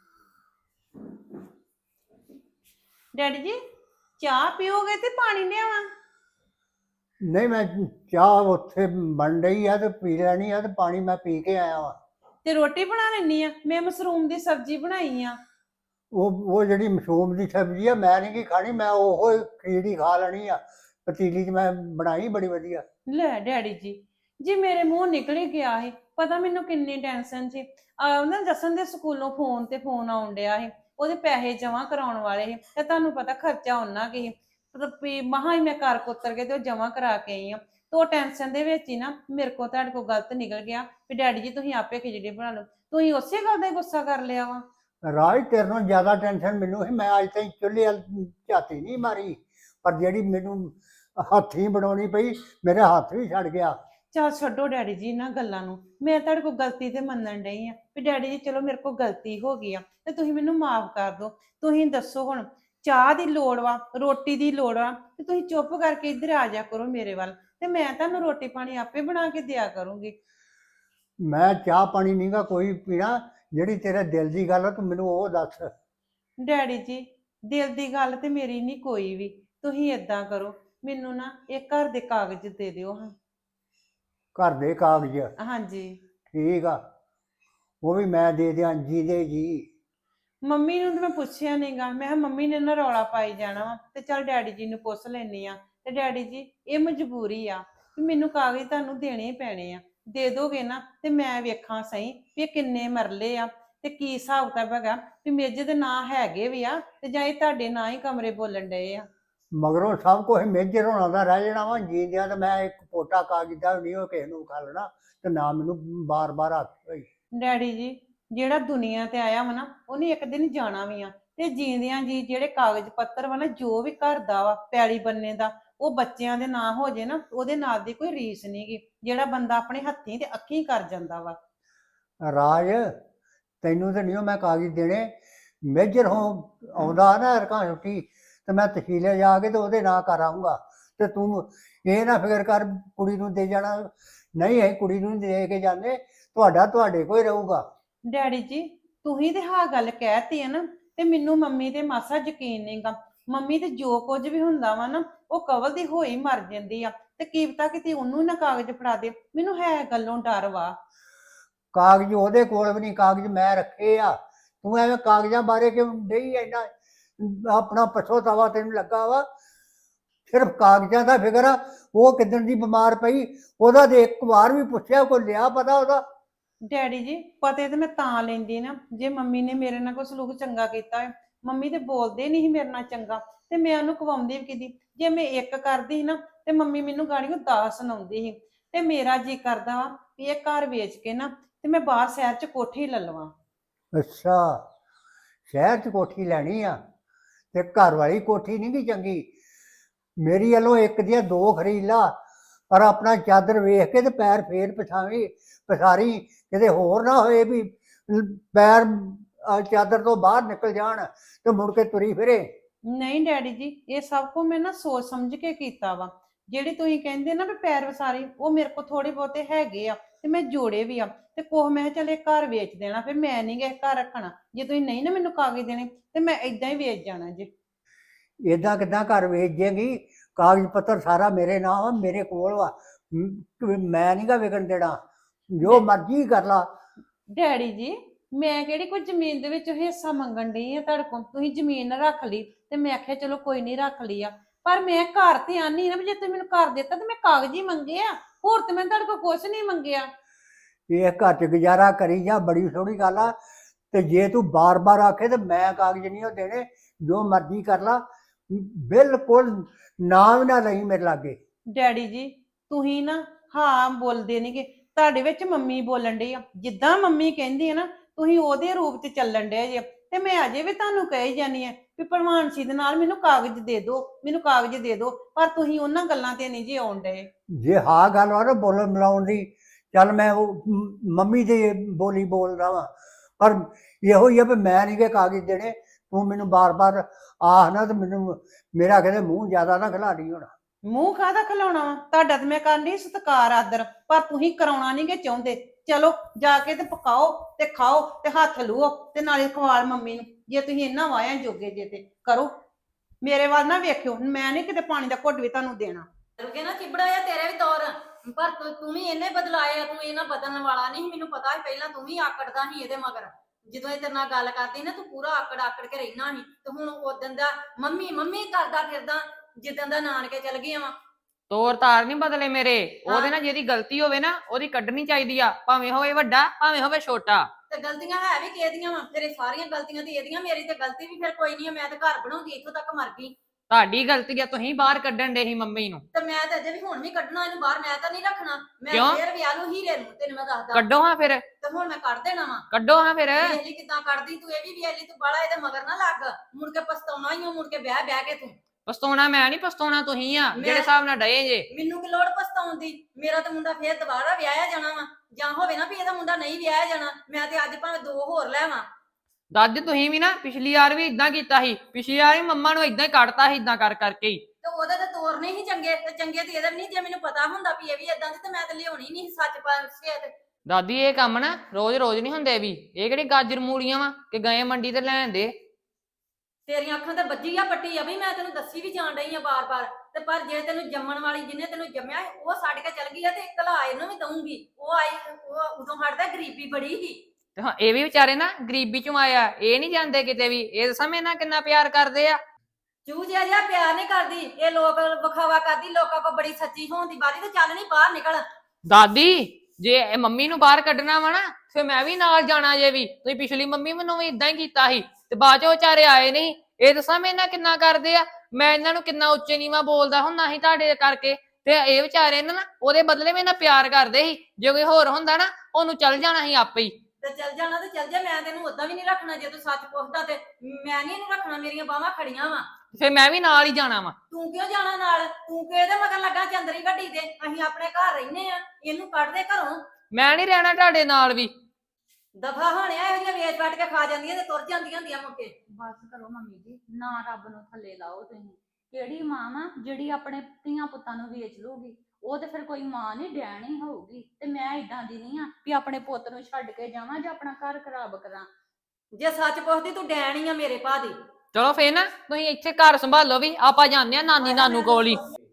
Speaker 6: ਡੈਡੀ ਜੀ ਚਾਹ ਪੀਓਗੇ ਤੇ ਪਾਣੀ ਲਿਆਵਾਂ?
Speaker 1: ਨਹੀਂ, ਮੈਂ ਚਾਹ ਉੱਥੇ ਬਣ ਰਹੀ ਆ ਤੇ ਪੀ ਲੈਣੀ ਆ, ਤੇ ਪਾਣੀ ਮੈਂ ਪੀ ਕੇ ਆਇਆ ਵਾ।
Speaker 6: ਤੇ ਰੋਟੀ ਬਣਾ ਲੈਣੀ ਆ ਮੈਂ। ਮਸ਼ਰੂਮ ਦੀ ਸਬਜ਼ੀ ਬਣਾਈ ਆ।
Speaker 1: ਉਹ ਜਿਹੜੀ ਮਸ਼ਰੂਮ ਦੀ ਸਬਜ਼ੀ ਆ ਮੈਂ ਨਹੀਂ ਖਾਣੀ। ਮੈਂ ਉਹ ਖੀਰੀ ਖਾ ਲੈਣੀ ਆ, ਪਤੀਲੀ 'ਚ ਮੈਂ ਬਣਾਈ ਬੜੀ ਵਧੀਆ।
Speaker 6: ਲੈ ਡੈਡੀ ਜੀ, ਜੀ ਮੇਰੇ ਮੂੰਹ ਨਿਕਲ ਹੀ ਗਿਆ ਸੀ। ਪਤਾ ਮੈਨੂੰ ਕਿੰਨੀ ਟੈਨਸ਼ਨ ਸੀ। ਉਹਨਾਂ ਜਸਨ ਦੇ ਸਕੂਲੋਂ ਫੋਨ ਤੇ ਫੋਨ ਆਉਣ ਡਿਆ ਸੀ, ਉਹਦੇ ਪੈਸੇ ਜਮ੍ਹਾਂ ਕਰਾਉਣ ਵਾਲੇ ਸੀ। ਤੇ ਤੁਹਾਨੂੰ ਪਤਾ ਖਰਚਾ ਉਹਨਾਂ ਕੀ ਮਹਾ ਹੀ ਮੈਂ ਘਰ ਕੁੱਤਰ ਕੇ ਤੇ ਉਹ ਜਮ੍ਹਾਂ ਕਰਾ ਕੇ ਆਈ ਆ। ਤੇ ਉਹ ਟੈਨਸ਼ਨ ਦੇ ਵਿੱਚ ਹੀ ਨਾ ਮੇਰੇ ਕੋਲ ਤੁਹਾਡੇ ਕੋਲ ਗਲਤ ਨਿਕਲ ਗਿਆ ਵੀ ਡੈਡੀ ਜੀ ਤੁਸੀਂ ਆਪੇ ਖਿਚੜੀ ਬਣਾ ਲਓ। ਤੁਸੀਂ ਉਸੇ ਗੱਲ ਦਾ ਹੀ ਗੁੱਸਾ ਕਰ ਲਿਆ ਵਾ।
Speaker 1: ਰਾਜ ਤੇਰੇ ਨਾਲੋਂ ਜ਼ਿਆਦਾ ਟੈਨਸ਼ਨ ਮੈਨੂੰ ਸੀ। ਮੈਂ ਅੱਜ ਤਾਈਂ ਚੁੱਲ੍ਹੇ ਵੱਲ ਝਾਤੀ ਨਹੀਂ ਮਾਰੀ, ਪਰ ਜਿਹੜੀ ਮੈਨੂੰ ਹੱਥੀਂ ਬਣਾਉਣੀ ਪਈ, ਮੇਰੇ ਹੱਥ ਵੀ ਛੱਡ ਗਿਆ।
Speaker 6: ਚੱਲ ਛੱਡੋ ਡੈਡੀ ਜੀ ਇਹਨਾਂ ਗੱਲਾਂ ਨੂੰ। ਮੈਂ ਤੁਹਾਡੇ ਕੋਲ ਗਲਤੀ ਤੇ ਮੰਨਣ ਡਈ ਆ ਵੀ ਡੈਡੀ ਜੀ ਚਲੋ ਮੇਰੇ ਕੋਲ ਗਲਤੀ ਹੋ ਗਈ ਆ ਤੇ ਤੁਸੀਂ ਮੈਨੂੰ ਮਾਫ ਕਰ ਦਿਓ। ਤੁਸੀਂ ਦੱਸੋ ਹੁਣ ਚਾਹ ਦੀ ਲੋੜ ਵਾ, ਰੋਟੀ ਦੀ ਲੋੜ ਵਾ, ਤੇ ਤੁਸੀਂ ਚੁੱਪ ਕਰਕੇ ਇੱਧਰ ਆ ਜਾ ਕਰੋ ਮੇਰੇ ਵੱਲ, ਤੇ ਮੈਂ ਤੁਹਾਨੂੰ ਰੋਟੀ ਪਾਣੀ ਆਪੇ ਬਣਾ ਕੇ ਦਿਆ ਕਰੂੰਗੀ।
Speaker 1: ਮੈਂ ਚਾਹ ਪਾਣੀ ਨਹੀਂਗਾ ਕੋਈ ਪੀਣਾ, ਜਿਹੜੀ ਤੇਰੇ ਦਿਲ ਦੀ ਗੱਲ ਆ ਤੂੰ ਮੈਨੂੰ ਉਹ ਦੱਸ।
Speaker 6: ਡੈਡੀ ਜੀ ਦਿਲ ਦੀ ਗੱਲ ਤੇ ਮੇਰੀ ਨਹੀਂ ਕੋਈ ਵੀ। ਤੁਸੀਂ ਏਦਾਂ ਕਰੋ, ਮੈਨੂੰ ਨਾ ਇਹ ਘਰ ਦੇ ਕਾਗਜ਼ ਦੇ ਦਿਓ ਹਾਂ।
Speaker 1: ਘਰ ਦੇ ਕਾਗਜ਼?
Speaker 6: ਹਾਂਜੀ।
Speaker 1: ਠੀਕ ਆ, ਉਹ ਵੀ ਮੈਂ ਦੇ ਦਿਆਂ ਜੀ ਦੇ ਜੀ।
Speaker 6: ਮੰਮੀ ਨੂੰ ਤਾਂ ਮੈਂ ਪੁੱਛਿਆ ਨਹੀਂਗਾ, ਮੈਂ ਕਿਹਾ ਮੰਮੀ ਨੇ ਨਾ ਰੌਲਾ ਪਾਈ ਜਾਣਾ ਵਾ, ਤੇ ਚੱਲ ਡੈਡੀ ਜੀ ਨੂੰ ਪੁੱਛ ਲੈਣੀ ਆ। ਤੇ ਡੈਡੀ ਜੀ ਇਹ ਮਜਬੂਰੀ ਆ ਵੀ ਮੈਨੂੰ ਕਾਗਜ਼ ਤੁਹਾਨੂੰ ਦੇਣੇ ਹੀ ਪੈਣੇ ਆ। ਦੇ ਦੋਗੇ ਨਾ ਤੇ ਮੈਂ ਵੇਖਾਂ ਸਹੀ ਵੀ ਇਹ ਕਿੰਨੇ ਮਰਲੇ ਆ ਤੇ ਕੀ ਹਿਸਾਬ ਕਿਤਾਬ ਹੈਗਾ, ਵੀ ਮੇਜੇ ਦੇ ਨਾਂ ਹੈਗੇ ਵੀ ਆ ਤੇ ਜਾਂ ਇਹ ਤੁਹਾਡੇ ਨਾਂ ਹੀ ਕਮਰੇ ਬੋਲਣ ਡਏ ਆ।
Speaker 1: ਮਗਰੋਂ ਸਭ ਕੁਝ ਮੇਜਰ ਹੋਣਾ ਦਾ ਰਹਿ ਜਾਣਾ ਵਾ ਜੀਂਦਿਆਂ, ਤੇ ਮੈਂ ਇੱਕ ਪੋਟਾ ਕਾਗਜ਼ ਦਾ ਨਹੀਂ ਉਹ ਕਿਸੇ ਨੂੰ ਖਾ ਲੈਣਾ, ਤੇ ਨਾ ਮੈਨੂੰ ਬਾਰ-ਬਾਰ ਹੱਥ ਹੋਈ।
Speaker 6: ਡੈਡੀ ਜੀ ਜਿਹੜਾ ਦੁਨੀਆ ਤੇ ਆਇਆ ਵਾ ਨਾ ਉਹਨੇ ਇੱਕ ਦਿਨ ਜਾਣਾ ਵੀ ਆ, ਤੇ ਜੀਂਦਿਆਂ ਜੀ ਜਿਹੜੇ ਕਾਗਜ਼ ਪੱਤਰ ਵਾ ਨਾ ਜੋ ਵੀ ਘਰ ਦਾ ਵਾ ਪੈਲੀ ਬੰਨੇ ਦਾ, ਉਹ ਬੱਚਿਆਂ ਦੇ ਨਾਂ ਹੋ ਜੇ ਨਾ ਉਹਦੇ ਨਾਲ ਦੀ ਕੋਈ ਰੀਸ ਨਹੀਂਗੀ, ਜਿਹੜਾ ਬੰਦਾ ਆਪਣੇ ਹੱਥੀਂ ਤੇ ਅੱਖੀਂ ਕਰ ਜਾਂਦਾ ਵਾ।
Speaker 1: ਰਾਜ ਤੈਨੂੰ ਤਾਂ ਨਹੀਂ ਮੈਂ ਕਾਗਜ਼ ਦੇਣੇ, ਮੇਜਰ ਹੋ ਆਉਂਦਾ ਨਾ ਰਕਾਂ ਛੁੱਟੀ ਤੇ ਮੈਂ ਤਹਿਸੀਲੇ ਜਾ ਕੇ ਤੇ ਉਹਦੇ ਨਾਂ ਕਰ ਆਊਂਗਾ, ਤੇ ਤੂੰ ਇਹ ਨਾ ਫਿਕਰ ਕਰ ਕੁੜੀ ਨੂੰ ਦੇ ਜਾਣਾ, ਨਹੀਂ ਅਸੀਂ ਕੁੜੀ ਨੂੰ ਦੇ ਕੇ ਜਾਂਦੇ, ਤੁਹਾਡੇ ਕੋਲ ਹੀ ਰਹੂਗਾ।
Speaker 6: ਡੈਡੀ ਜੀ ਤੁਸੀਂ ਤੇ ਹਾਂ ਗੱਲ ਕਹਿਤੀ ਹੈ ਨਾ, ਤੇ ਮੈਨੂੰ ਮੰਮੀ ਤੇ ਮਾਸਾ ਯਕੀਨ ਨਹੀਂਗਾ। ਮੰਮੀ ਤੇ ਜੋ ਕੁਝ ਵੀ ਹੁੰਦਾ ਵਾ ਨਾ ਉਹ ਕਵਲ ਦੀ ਹੋਈ ਮਰ ਜਾਂਦੀ ਆ, ਤੇ ਕੀ ਪਤਾ ਕਿਤੇ ਉਹਨੂੰ ਨਾ ਕਾਗਜ਼ ਫੜਾ ਦੇ, ਮੈਨੂੰ ਹੈ ਗੱਲੋਂ ਡਰ ਵਾ।
Speaker 1: ਕਾਗਜ਼ ਉਹਦੇ ਕੋਲ ਵੀ ਨਹੀਂ, ਕਾਗਜ਼ ਮੈਂ ਰੱਖੇ ਆ। ਤੂੰ ਐਵੇਂ ਕਾਗਜ਼ਾਂ ਬਾਰੇ ਕਿਉਂ ਨਹੀਂ ਇੰਨਾ ਆਪਣਾ ਪਛਤਾਵਾ ਤੈਨੂੰ ਲੱਗਾ ਵਾ? ਸਿਰਫ ਕਾਗਜ਼ਾਂ ਦਾ ਫਿਕਰ ਆ। ਉਹ ਕਿੱਦਣ ਦੀ ਬਿਮਾਰ ਪਈ, ਉਹਦਾ ਤੇ ਇੱਕ ਵਾਰ ਵੀ ਪੁੱਛਿਆ ਕੋਈ ਲਿਆ ਪਤਾ ਉਹਦਾ?
Speaker 6: ਡੈਡੀ ਜੀ ਪਤੇ ਤੇ ਮੈਂ ਤਾਂ ਲੈਂਦੀ ਨਾ ਜੇ ਮੰਮੀ ਨੇ ਮੇਰੇ ਨਾਲ ਕੋਈ ਸਲੂਕ ਚੰਗਾ ਕੀਤਾ ਹੈ। ਮੰਮੀ ਤੇ ਬੋਲਦੇ ਨਹੀਂ ਸੀ ਮੇਰੇ ਨਾਲ ਚੰਗਾ, ਤੇ ਮੈਂ ਉਹਨੂੰ ਕਵਾਉਂਦੀ ਵੀ ਕਿਦੀ, ਜੇ ਮੈਂ ਇੱਕ ਕਰਦੀ ਸੀ ਨਾ ਤੇ ਮੰਮੀ ਮੈਨੂੰ ਗਾੜੀਆਂ 10 ਸੁਣਾਉਂਦੀ ਸੀ। ਤੇ ਮੇਰਾ ਜੀ ਕਰਦਾ ਵਾ ਵੀ ਇਹ ਘਰ ਵੇਚ ਕੇ ਨਾ ਤੇ ਮੈਂ ਬਾਹਰ ਸ਼ਹਿਰ 'ਚ ਕੋਠੀ ਲੈ ਲਵਾਂ।
Speaker 1: ਅੱਛਾ, ਸ਼ਹਿਰ 'ਚ ਕੋਠੀ ਲੈਣੀ ਆ, ਤੇ ਘਰ ਵਾਲੀ ਕੋਠੀ ਨਹੀਂ ਗੀ ਚੰਗੀ। ਮੇਰੀ ਵੱਲੋਂ ਇੱਕ ਦੀਆਂ ਦੋ ਖਰੀਦ ਲਾ, ਪਰ ਆਪਣਾ ਚਾਦਰ ਵੇਖ ਕੇ ਤੇ ਪੈਰ ਫੇਰ ਪਸਾਰੀ, ਕਿਤੇ ਹੋਰ ਨਾ ਹੋਏ ਵੀ ਪੈਰ ਚਾਦਰ ਤੋਂ ਬਾਹਰ ਨਿਕਲ ਜਾਣ ਤੇ ਮੁੜ ਕੇ ਤੁਰੀ ਫਿਰੇ।
Speaker 6: ਨਹੀਂ ਡੈਡੀ ਜੀ ਇਹ ਸਭ ਕੁਝ ਮੈਂ ਨਾ ਸੋਚ ਸਮਝ ਕੇ ਕੀਤਾ ਵਾ। ਜਿਹੜੀ ਤੁਸੀਂ ਕਹਿੰਦੇ ਨਾ ਵੀ ਪੈਰ ਵਸਾਰੀ, ਉਹ ਮੇਰੇ ਕੋਲ ਥੋੜੇ ਬਹੁਤੇ ਹੈਗੇ ਆ ਤੇ ਮੈਂ ਜੋੜੇ ਵੀ ਆ, ਤੇ ਕੋਹ ਮੈਂ ਚੱਲ ਇਹ ਘਰ ਵੇਚ ਦੇਣਾ, ਫਿਰ ਮੈਂ ਨਹੀਂ ਗੇ ਘਰ ਰੱਖਣਾ। ਜੇ ਤੁਸੀਂ ਨਹੀਂ ਨਾ ਮੈਨੂੰ ਕਾਗਜ਼ ਦੇਣੇ ਤੇ ਮੈਂ ਇਦਾਂ ਹੀ ਵੇਚ ਜਾਣਾ ਜੇ।
Speaker 1: ਏਦਾਂ ਕਿੱਦਾਂ ਘਰ ਵੇਚ ਜੇਗੀ? ਕਾਗਜ਼ ਪੱਤਰ ਸਾਰਾ ਮੇਰੇ ਨਾਂ ਵਾ, ਮੇਰੇ ਕੋਲ ਵਾ, ਮੈਂ ਨਹੀਂ ਗਾ ਵਿਕਣ ਦੇਣਾ, ਜੋ ਮਰਜ਼ੀ ਕਰ ਲਾ।
Speaker 6: ਡੈਡੀ ਜੀ ਮੈਂ ਕਿਹੜੀ ਕੋਈ ਜ਼ਮੀਨ ਦੇ ਵਿੱਚ ਹਿੱਸਾ ਮੰਗਣ ਡਈ ਆ ਤੁਹਾਡੇ ਕੋਲ? ਤੁਸੀਂ ਜ਼ਮੀਨ ਰੱਖ ਲਈ ਤੇ ਮੈਂ ਆਖਿਆ ਚਲੋ ਕੋਈ ਨਹੀਂ ਰੱਖ ਲਈ ਆ, ਪਰ ਮੈਂ ਘਰ ਤੇ ਆਨੀ ਨਾ ਵੀ ਜੇ ਤੁਸੀਂ ਮੈਨੂੰ ਘਰ ਦਿੱਤਾ ਤੇ ਮੈਂ ਕਾਗਜ਼ ਹੀ ਮੰਗੇ ਆ, ਹੋਰ ਤੇ ਮੈਂ ਤੁਹਾਡੇ ਕੋਲ ਕੁਛ ਨਹੀਂ ਮੰਗਿਆ।
Speaker 1: ਇਹ ਘਰ 'ਚ ਗੁਜ਼ਾਰਾ ਕਰੀ ਜਾ, ਬੜੀ ਸੋਹਣੀ ਗੱਲ ਆ, ਤੇ ਜੇ ਤੂੰ ਬਾਰ-ਬਾਰ ਆਖੇ ਤੇ ਮੈਂ ਕਾਗਜ਼ ਨਹੀਂ ਉਹ ਦੇਣੇ, ਜੋ ਮਰਜ਼ੀ ਕਰ ਲਾ, ਬਿਲਕੁਲ ਨਾਮ ਨਾ ਲਈ ਮੇਰੇ ਲਾਗੇ।
Speaker 6: ਡੈਡੀ ਜੀ ਤੁਸੀਂ ਨਾ ਹਾਂ ਬੋਲਦੇ ਨਹੀਂਗੇ, ਤੁਹਾਡੇ ਵਿੱਚ ਮੰਮੀ ਬੋਲਣ ਡਈ ਆ, ਜਿੱਦਾਂ ਮੰਮੀ ਕਹਿੰਦੀ ਹੈ ਨਾ ਤੁਸੀਂ ਉਹਦੇ ਰੂਪ 'ਚ ਚੱਲਣ ਡਏ ਜੇ। ਤੇ ਮੈਂ ਅਜੇ ਵੀ ਤੁਹਾਨੂੰ ਕਹੀ ਜਾਨੀ ਆ ਵੀ ਭਲਵਾਨ ਸੀ ਦੇ ਨਾਲ ਮੈਨੂੰ ਕਾਗਜ਼ ਦੇ ਦਿਓ, ਮੈਨੂੰ ਕਾਗਜ਼ ਦੇ ਦਿਓ, ਪਰ ਤੁਸੀਂ ਉਹਨਾਂ ਗੱਲਾਂ ਤੇ ਨਹੀਂ ਜੀ ਆਉਣ ਡਏ।
Speaker 1: ਜੇ ਹਾਂ ਗੱਲ ਆ ਨਾ ਬੋਲਣ ਮਿਲਾਉਣ ਦੀ, ਚੱਲ ਮੈਂ ਉਹ ਮੰਮੀ ਦੀ ਬੋਲੀ ਬੋਲਦਾ ਵਾਂ, ਪਰ ਇਹੋ ਹੀ ਆ ਵੀ ਮੈਂ ਨਹੀਂ ਗੇ ਕਾਗਜ਼ ਦੇਣੇ। ਤੂੰ ਮੈਨੂੰ ਬਾਰ-ਬਾਰ ਆਖ ਨਾ ਤੇ ਮੈਨੂੰ ਮੇਰਾ ਕਹਿੰਦੇ ਮੂੰਹ ਜ਼ਿਆਦਾ ਨਾ ਖਿਲਾ ਲਈ ਹੋਣਾ।
Speaker 6: ਮੂੰਹ ਕਾਹਦਾ ਖਿਲਾਉਣਾ ਵਾ ਤੁਹਾਡਾ? ਤੇ ਮੈਂ ਕਰਨੀ ਸਤਿਕਾਰ ਆਦਰ, ਪਰ ਤੁਸੀਂ ਕਰਾਉਣਾ ਨਹੀਂ ਗੇ ਚਾਹੁੰਦੇ। ਚਲੋ ਜਾ ਕੇ ਤੇ ਪਕਾਓ ਤੇ ਖਾਓ ਤੇ ਹੱਥ ਲੂਓ ਤੇ ਨਾਲੇ ਖਵਾਲ ਮੰਮੀ ਨੂੰ, ਜੇ ਤੁਸੀਂ ਇਹਨਾਂ ਵਾਹਿਆਂ ਜੋਗੇ ਜੇ ਤੇ ਕਰੋ। ਮੇਰੇ ਵੱਲ ਨਾ ਵੇਖਿਓ, ਮੈਂ ਨਹੀਂ ਕਿਤੇ ਪਾਣੀ ਦਾ ਘੁੱਟ ਵੀ ਤੁਹਾਨੂੰ ਦੇਣਾ।
Speaker 3: ਰੁਕੇ ਨਾ ਚਿਬੜਾ ਆ ਤੇਰੇ ਵੀ ਤੌਰ, ਪਰ ਤੂੰ ਵੀ ਇਹਨੇ ਬਦਲਾਏ ਆ, ਤੂੰ ਇਹਨਾਂ ਬਦਲਣ ਵਾਲਾ ਨਹੀਂ। ਮੈਨੂੰ ਪਤਾ ਸੀ ਪਹਿਲਾਂ ਤੂੰ ਵੀ ਆਕੜਦਾ ਸੀ ਇਹਦੇ ਮਗਰ, ਜਦੋਂ ਇਹ ਤੇਰੇ ਨਾਲ ਗੱਲ ਕਰਦੀ ਨਾ ਤੂੰ ਪੂਰਾ ਆਕੜ ਕੇ ਰਹਿਣਾ ਸੀ, ਤੇ ਹੁਣ ਉਦੋਂ ਦਾ ਮੰਮੀ ਮੰਮੀ ਕਰਦਾ ਫਿਰਦਾ ਜਿੱਦਾਂ ਦਾ ਨਾਨਕੇ ਚਲ ਗਈਆਂ ਵਾ।
Speaker 4: ਤੋਰ ਤਾਰ ਨਹੀਂ ਬਦਲੇ ਮੇਰੇ, ਉਹਦੇ ਨਾਲ ਜਿਹਦੀ ਗਲਤੀ ਹੋਵੇ ਨਾ ਉਹਦੀ ਕੱਢਣੀ ਚਾਹੀਦੀ ਆ, ਭਾਵੇਂ ਹੋਵੇ ਵੱਡਾ ਭਾਵੇਂ ਹੋਵੇ ਛੋਟਾ।
Speaker 3: ਤੇ ਗਲਤੀਆਂ ਹੈ ਵੀ ਕਿਹਦੀਆਂ ਵਾ? ਤੇਰੇ ਸਾਰੀਆਂ ਗਲਤੀਆਂ ਤੇ ਇਹਦੀਆਂ, ਮੇਰੀ ਤੇ ਗਲਤੀ ਵੀ ਫਿਰ ਕੋਈ ਨਹੀਂ, ਮੈਂ ਤੇ ਘਰ ਬਣਾਉਂਦੀ ਇੱਥੋਂ ਤੱਕ ਮਰ ਗਈ।
Speaker 4: ਤੁਹਾਡੀ ਗਲਤੀ ਆ, ਤੁਸੀਂ ਬਾਹਰ ਕੱਢਣ ਦੇ ਸੀ ਮੰਮੀ ਨੂੰ।
Speaker 3: ਤੇ ਮੈਂ ਤਾਂ ਅਜੇ ਵੀ ਹੁਣ ਵੀ ਕੱਢਣਾ ਇਹਨੂੰ ਬਾਹਰ, ਮੈਂ ਤਾਂ ਨਹੀਂ ਰੱਖਣਾ। ਮੈਂ
Speaker 4: ਕਿਉਂ?
Speaker 3: ਫੇਰ ਵਿਆਹ ਨੂੰ ਹੀਰੇ ਨੂੰ, ਤੈਨੂੰ ਮੈਂ ਦੱਸਦਾ।
Speaker 4: ਕੱਢੋ ਹਾਂ ਫਿਰ,
Speaker 3: ਤੇ ਹੁਣ ਮੈਂ ਕੱਢ ਦੇਣਾ ਵਾ।
Speaker 4: ਕੱਢੋ ਹਾਂ ਫਿਰ।
Speaker 3: ਵੇਖ ਲਈ ਕਿੱਦਾਂ ਕੱਢਦੀ ਤੂੰ, ਇਹ ਵੀ ਵੇਖ ਲਈ ਤੂੰ, ਬਾਲਾ ਇਹਦੇ ਮਗਰ ਨਾ ਲੱਗ, ਮੁੜ ਕੇ ਪਛਤਾਉਣਾ ਹੀ ਹੋ, ਮੁੜ ਕੇ ਬਹਿ ਕੇ ਤੂੰ।
Speaker 4: ਪਛਤਾਉਣਾ ਮੈਂ ਨਹੀਂ, ਪਛਤਾਉਣਾ ਤੁਸੀਂ ਆ ਜਿਹੜੇ
Speaker 3: ਮੈਂ-
Speaker 4: ਹਿਸਾਬ ਨਾਲ ਡਏ ਜੇ।
Speaker 3: ਮੈਨੂੰ ਕੀ ਲੋੜ ਪਛਤਾਉਣ ਦੀ? ਮੇਰਾ ਤਾਂ ਮੁੰਡਾ ਫੇਰ ਦੁਬਾਰਾ ਵਿਆਹਿਆ ਜਾਣਾ ਵਾ, ਜਾਂ ਹੋਵੇ ਨਾ ਵੀ ਇਹਦਾ ਮੁੰਡਾ ਨਹੀਂ ਵਿਆਹਿਆ ਜਾਣਾ, ਮੈਂ ਤੇ ਅੱਜ ਭਾਵੇਂ 2 ਹੋਰ ਲੈਵਾਂ।
Speaker 4: ਦਾਦੀ ਤੁਸੀਂ ਵੀ ਨਾ ਪਿਛਲੀ ਵਾਰ ਵੀ ਇਦਾਂ ਕੀਤਾ ਸੀ, ਪਿਛਲੀ ਵਾਰ ਵੀ ਮੰਮਾ ਨੂੰ ਇਦਾਂ ਹੀ ਕੱਢਤਾ ਸੀ, ਇਦਾਂ ਕਰ ਕਰਕੇ ਹੀ।
Speaker 3: ਤੇ ਉਹਦੇ ਤੇ ਤੋਰ ਨਹੀਂ ਸੀ ਚੰਗੇ, ਤੇ ਚੰਗੇ ਤੇ ਇਹਦੇ ਵੀ ਨਹੀਂ। ਜੇ ਮੈਨੂੰ ਪਤਾ ਹੁੰਦਾ ਵੀ ਇਹ ਵੀ ਇਦਾਂ ਦੀ ਤੇ ਮੈਂ ਤੇ ਲਿਆਉਣੀ ਨਹੀਂ ਸੀ ਸੱਚ ਪਾਸੇ ਤੇ।
Speaker 4: ਦਾਦੀ ਇਹ ਕੰਮ ਨਾ ਰੋਜ਼ ਰੋਜ਼ ਨਹੀਂ ਹੁੰਦੇ ਵੀ, ਇਹ ਕਿਹੜੀ ਗਾਜਰ ਮੂਲੀਆਂ ਵਾ ਕਿ ਗਏ ਮੰਡੀ ਤੇ ਲੈਣ ਦੇ।
Speaker 3: ਤੇਰੀਆਂ ਅੱਖਾਂ ਤੇ ਵੱਜੀ ਆ ਪੱਟੀ ਆ ਵੀ, ਮੈਂ ਤੈਨੂੰ ਦੱਸੀ ਵੀ ਜਾਣ ਡਈ ਆ ਬਾਰ-ਬਾਰ। ਤੇ ਪਰ ਜੇ ਤੈਨੂੰ ਜੰਮਣ ਵਾਲੀ ਜਿਹਨੇ ਤੈਨੂੰ ਜੰਮਿਆ ਉਹ ਛੱਡ ਕੇ ਚਲ ਗਈ ਆ, ਤੇ ਇੱਕ ਲਾ ਇਹਨੂੰ ਵੀ ਦਊਂਗੀ। ਉਹ ਆਈ, ਉਹ ਉਦੋਂ ਹਟਦਾ ਗਰੀਬੀ ਬੜੀ ਸੀ।
Speaker 4: ਤੇ ਹਾਂ ਇਹ ਵੀ ਵਿਚਾਰੇ ਨਾ ਗਰੀਬੀ ਚੋਂ ਆਇਆ, ਇਹ ਨਹੀਂ ਜਾਂਦੇ ਕਿਤੇ ਵੀ। ਇਹ ਸਮੇਂ ਨਾਲ ਕਿੰਨਾ ਪਿਆਰ ਕਰਦੇ ਆ।
Speaker 3: ਚੂਜਿਆ ਜਿਹਾ ਪਿਆਰ ਨਹੀਂ ਕਰਦੀ ਇਹ, ਲੋਕ ਵਿਖਾਵਾ ਕਰਦੀ ਲੋਕਾਂ ਕੋ ਬੜੀ ਸੱਚੀ ਹੋਣ ਦੀ ਬਾਰੀ। ਤੇ ਚੱਲ ਨਹੀਂ ਬਾਹਰ ਨਿਕਲ।
Speaker 4: ਦਾਦੀ ਜੇ ਇਹ ਮੰਮੀ ਨੂੰ ਬਾਹਰ ਕੱਢਣਾ ਵਾ ਨਾ, ਫਿਰ ਮੈਂ ਵੀ ਨਾਲ ਜਾਣਾ ਜੇ ਵੀ। ਤੁਸੀਂ ਪਿਛਲੀ ਮੰਮੀ ਮੈਨੂੰ ਵੀ ਇਦਾਂ ਹੀ ਕੀਤਾ ਸੀ, ਤੇ ਬਾਅਦ ਚ ਉਹ ਵਿਚਾਰੇ ਆਏ ਨਹੀਂ। ਇਹ ਦੱਸਾਂ ਮੈਂ ਇਹਨਾਂ ਕਿੰਨਾ ਕਰਦੇ ਆ, ਮੈਂ ਇਹਨਾਂ ਨੂੰ ਕਿੰਨਾ ਉੱਚੇ ਨੀਵਾਂ ਬੋਲਦਾ ਹੁੰਦਾ ਸੀ ਤੁਹਾਡੇ ਕਰਕੇ, ਤੇ ਇਹ ਵਿਚਾਰੇ ਨਾ ਉਹਦੇ ਬਦਲੇ ਮੇਰੇ ਨਾਲ ਪਿਆਰ ਕਰਦੇ ਸੀ। ਜੇ ਕੋਈ ਹੋਰ ਹੁੰਦਾ ਨਾ ਉਹਨੂੰ ਚੱਲ ਜਾਣਾ ਸੀ ਆਪੇ ਹੀ।
Speaker 3: ਤੇ ਚੱਲ ਜਾਣਾ ਤੇ ਚੱਲ ਜਾ, ਮੈਂ ਤੈਨੂੰ ਉਦਾਂ ਵੀ ਨਹੀਂ ਰੱਖਣਾ। ਜੇ ਤੂੰ ਸੱਚ ਪੁੱਛਦਾ ਤੇ ਮੈਂ ਨਹੀਂ ਇਹਨੂੰ ਰੱਖਣਾ, ਮੇਰੀਆਂ ਬਾਹਾਂ ਖੜੀਆਂ ਵਾ।
Speaker 4: ਫਿਰ ਮੈਂ ਵੀ ਨਾਲ ਹੀ ਜਾਣਾ ਵਾ।
Speaker 3: ਤੂੰ ਕਿਉਂ ਜਾਣਾ ਨਾਲ? ਤੂੰ ਕਿ ਇਹਦੇ ਮਗਰ ਲੱਗਾ ਚੰਦਰੀ ਵੱਡੀ ਦੇ? ਅਸੀਂ ਆਪਣੇ ਘਰ ਰਹਿੰਦੇ ਆ, ਇਹਨੂੰ ਕੱਢ ਦੇ ਘਰੋਂ।
Speaker 4: ਮੈਂ ਨਹੀਂ ਰਹਿਣਾ ਤੁਹਾਡੇ ਨਾਲ ਵੀ।
Speaker 3: ਦਫਾ ਹੋਣਿਆ ਇਹੋ ਜਿਹੀਆਂ ਵੇਚ ਵੱਟ ਕੇ ਖਾ ਜਾਂਦੀਆਂ ਤੇ ਤੁਰ ਜਾਂਦੀਆਂ ਹੁੰਦੀਆਂ ਮੁੜ ਕੇ।
Speaker 5: ਬਸ ਕਰੋ ਮੰਮੀ ਜੀ, ਨਾ ਰੱਬ ਨੂੰ ਥੱਲੇ ਲਾਓ ਤੁਸੀਂ। ਕਿਹੜੀ ਮਾਂ ਵਾ ਜਿਹੜੀ ਆਪਣੇ ਧੀਆਂ ਪੁੱਤਾਂ ਨੂੰ ਵੇਚ ਲੂਗੀ? ਉਹ ਤੇ ਫਿਰ ਕੋਈ ਮਾਂ ਨਹੀਂ ਡੈਣੀ ਹੋਊਗੀ। ਤੇ ਮੈਂ ਇਦਾਂ ਦੀ ਨਹੀਂ ਆ ਵੀ ਆਪਣੇ ਪੁੱਤ ਨੂੰ ਛੱਡ ਕੇ ਜਾਵਾਂ ਜਾਂ ਆਪਣਾ ਘਰ ਖਰਾਬ ਕਰਾਂ।
Speaker 3: ਜੇ ਸੱਚ ਪੁੱਛਦੀ ਤੂੰ ਡੈਣੀ ਆ ਮੇਰੇ ਭਾ ਦੀ।
Speaker 4: ਚਲੋ ਫੇਰ ਨਾ ਤੁਸੀਂ ਇੱਥੇ ਘਰ ਸੰਭਾਲੋ ਵੀ, ਆਪਾਂ ਜਾਂਦੇ ਆ ਨਾਨੀ ਨਾਨੂ ਕੋਲ ਹੀ।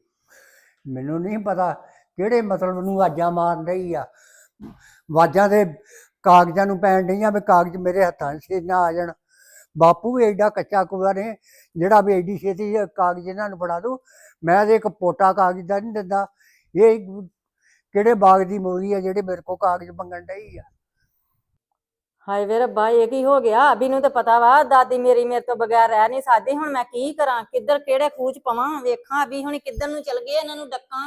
Speaker 1: ਮੈਨੂੰ ਨਹੀਂ ਪਤਾ ਕਿਹੜੇ ਮਤਲਬ ਨੂੰ ਆਵਾਜ਼ਾਂ ਮਾਰ ਰਹੀ ਆ। ਆਵਾਜ਼ਾਂ ਦੇ ਕਾਗਜ਼ਾਂ ਨੂੰ ਪੈਣ ਡਈਆਂ ਵੀ ਕਾਗਜ਼ ਮੇਰੇ ਹੱਥਾਂ 'ਚ ਨਾ ਆ ਜਾਣ। ਬਾਪੂ ਵੀ ਐਡਾ ਕੱਚਾ ਕੁਆ ਨੇ ਜਿਹੜਾ ਵੀ ਐਡੀ ਛੇਤੀ ਕਾਗਜ਼ ਇਹਨਾਂ ਨੂੰ ਫੜਾ ਦੂ। ਮੈਂ ਤੇ ਇੱਕ ਪੋਟਾ ਕਾਗਜ਼ ਦਾ ਨਹੀਂ ਦਿੰਦਾ। ਇਹ ਕਿਹੜੇ ਬਾਗ ਦੀ ਮੂਲੀ ਆ ਜਿਹੜੇ ਮੇਰੇ ਕੋਲ ਕਾਗਜ਼ ਮੰਗਣ ਡਈ ਆ।
Speaker 3: ਹਾਏ ਵੇ ਰੱਬਾ, ਇਹ ਕੀ ਹੋ ਗਿਆ? ਅਭੀ ਨੂੰ ਤਾਂ ਪਤਾ ਵਾ ਦਾਦੀ ਮੇਰੀ ਮੇਰੇ ਤੋਂ ਬਗੈਰ ਰਹਿ ਨਹੀਂ ਸਕਦੀ। ਹੁਣ ਮੈਂ ਕੀ ਕਰਾਂ? ਕਿੱਧਰ ਕਿਹੜੇ ਖੂਹ ਚ ਪਵਾਂ? ਵੇਖਾਂ ਅਭੀ ਹੁਣ ਕਿੱਧਰ ਨੂੰ ਚਲ ਗਏ, ਇਹਨਾਂ ਨੂੰ ਡੱਕਾਂ।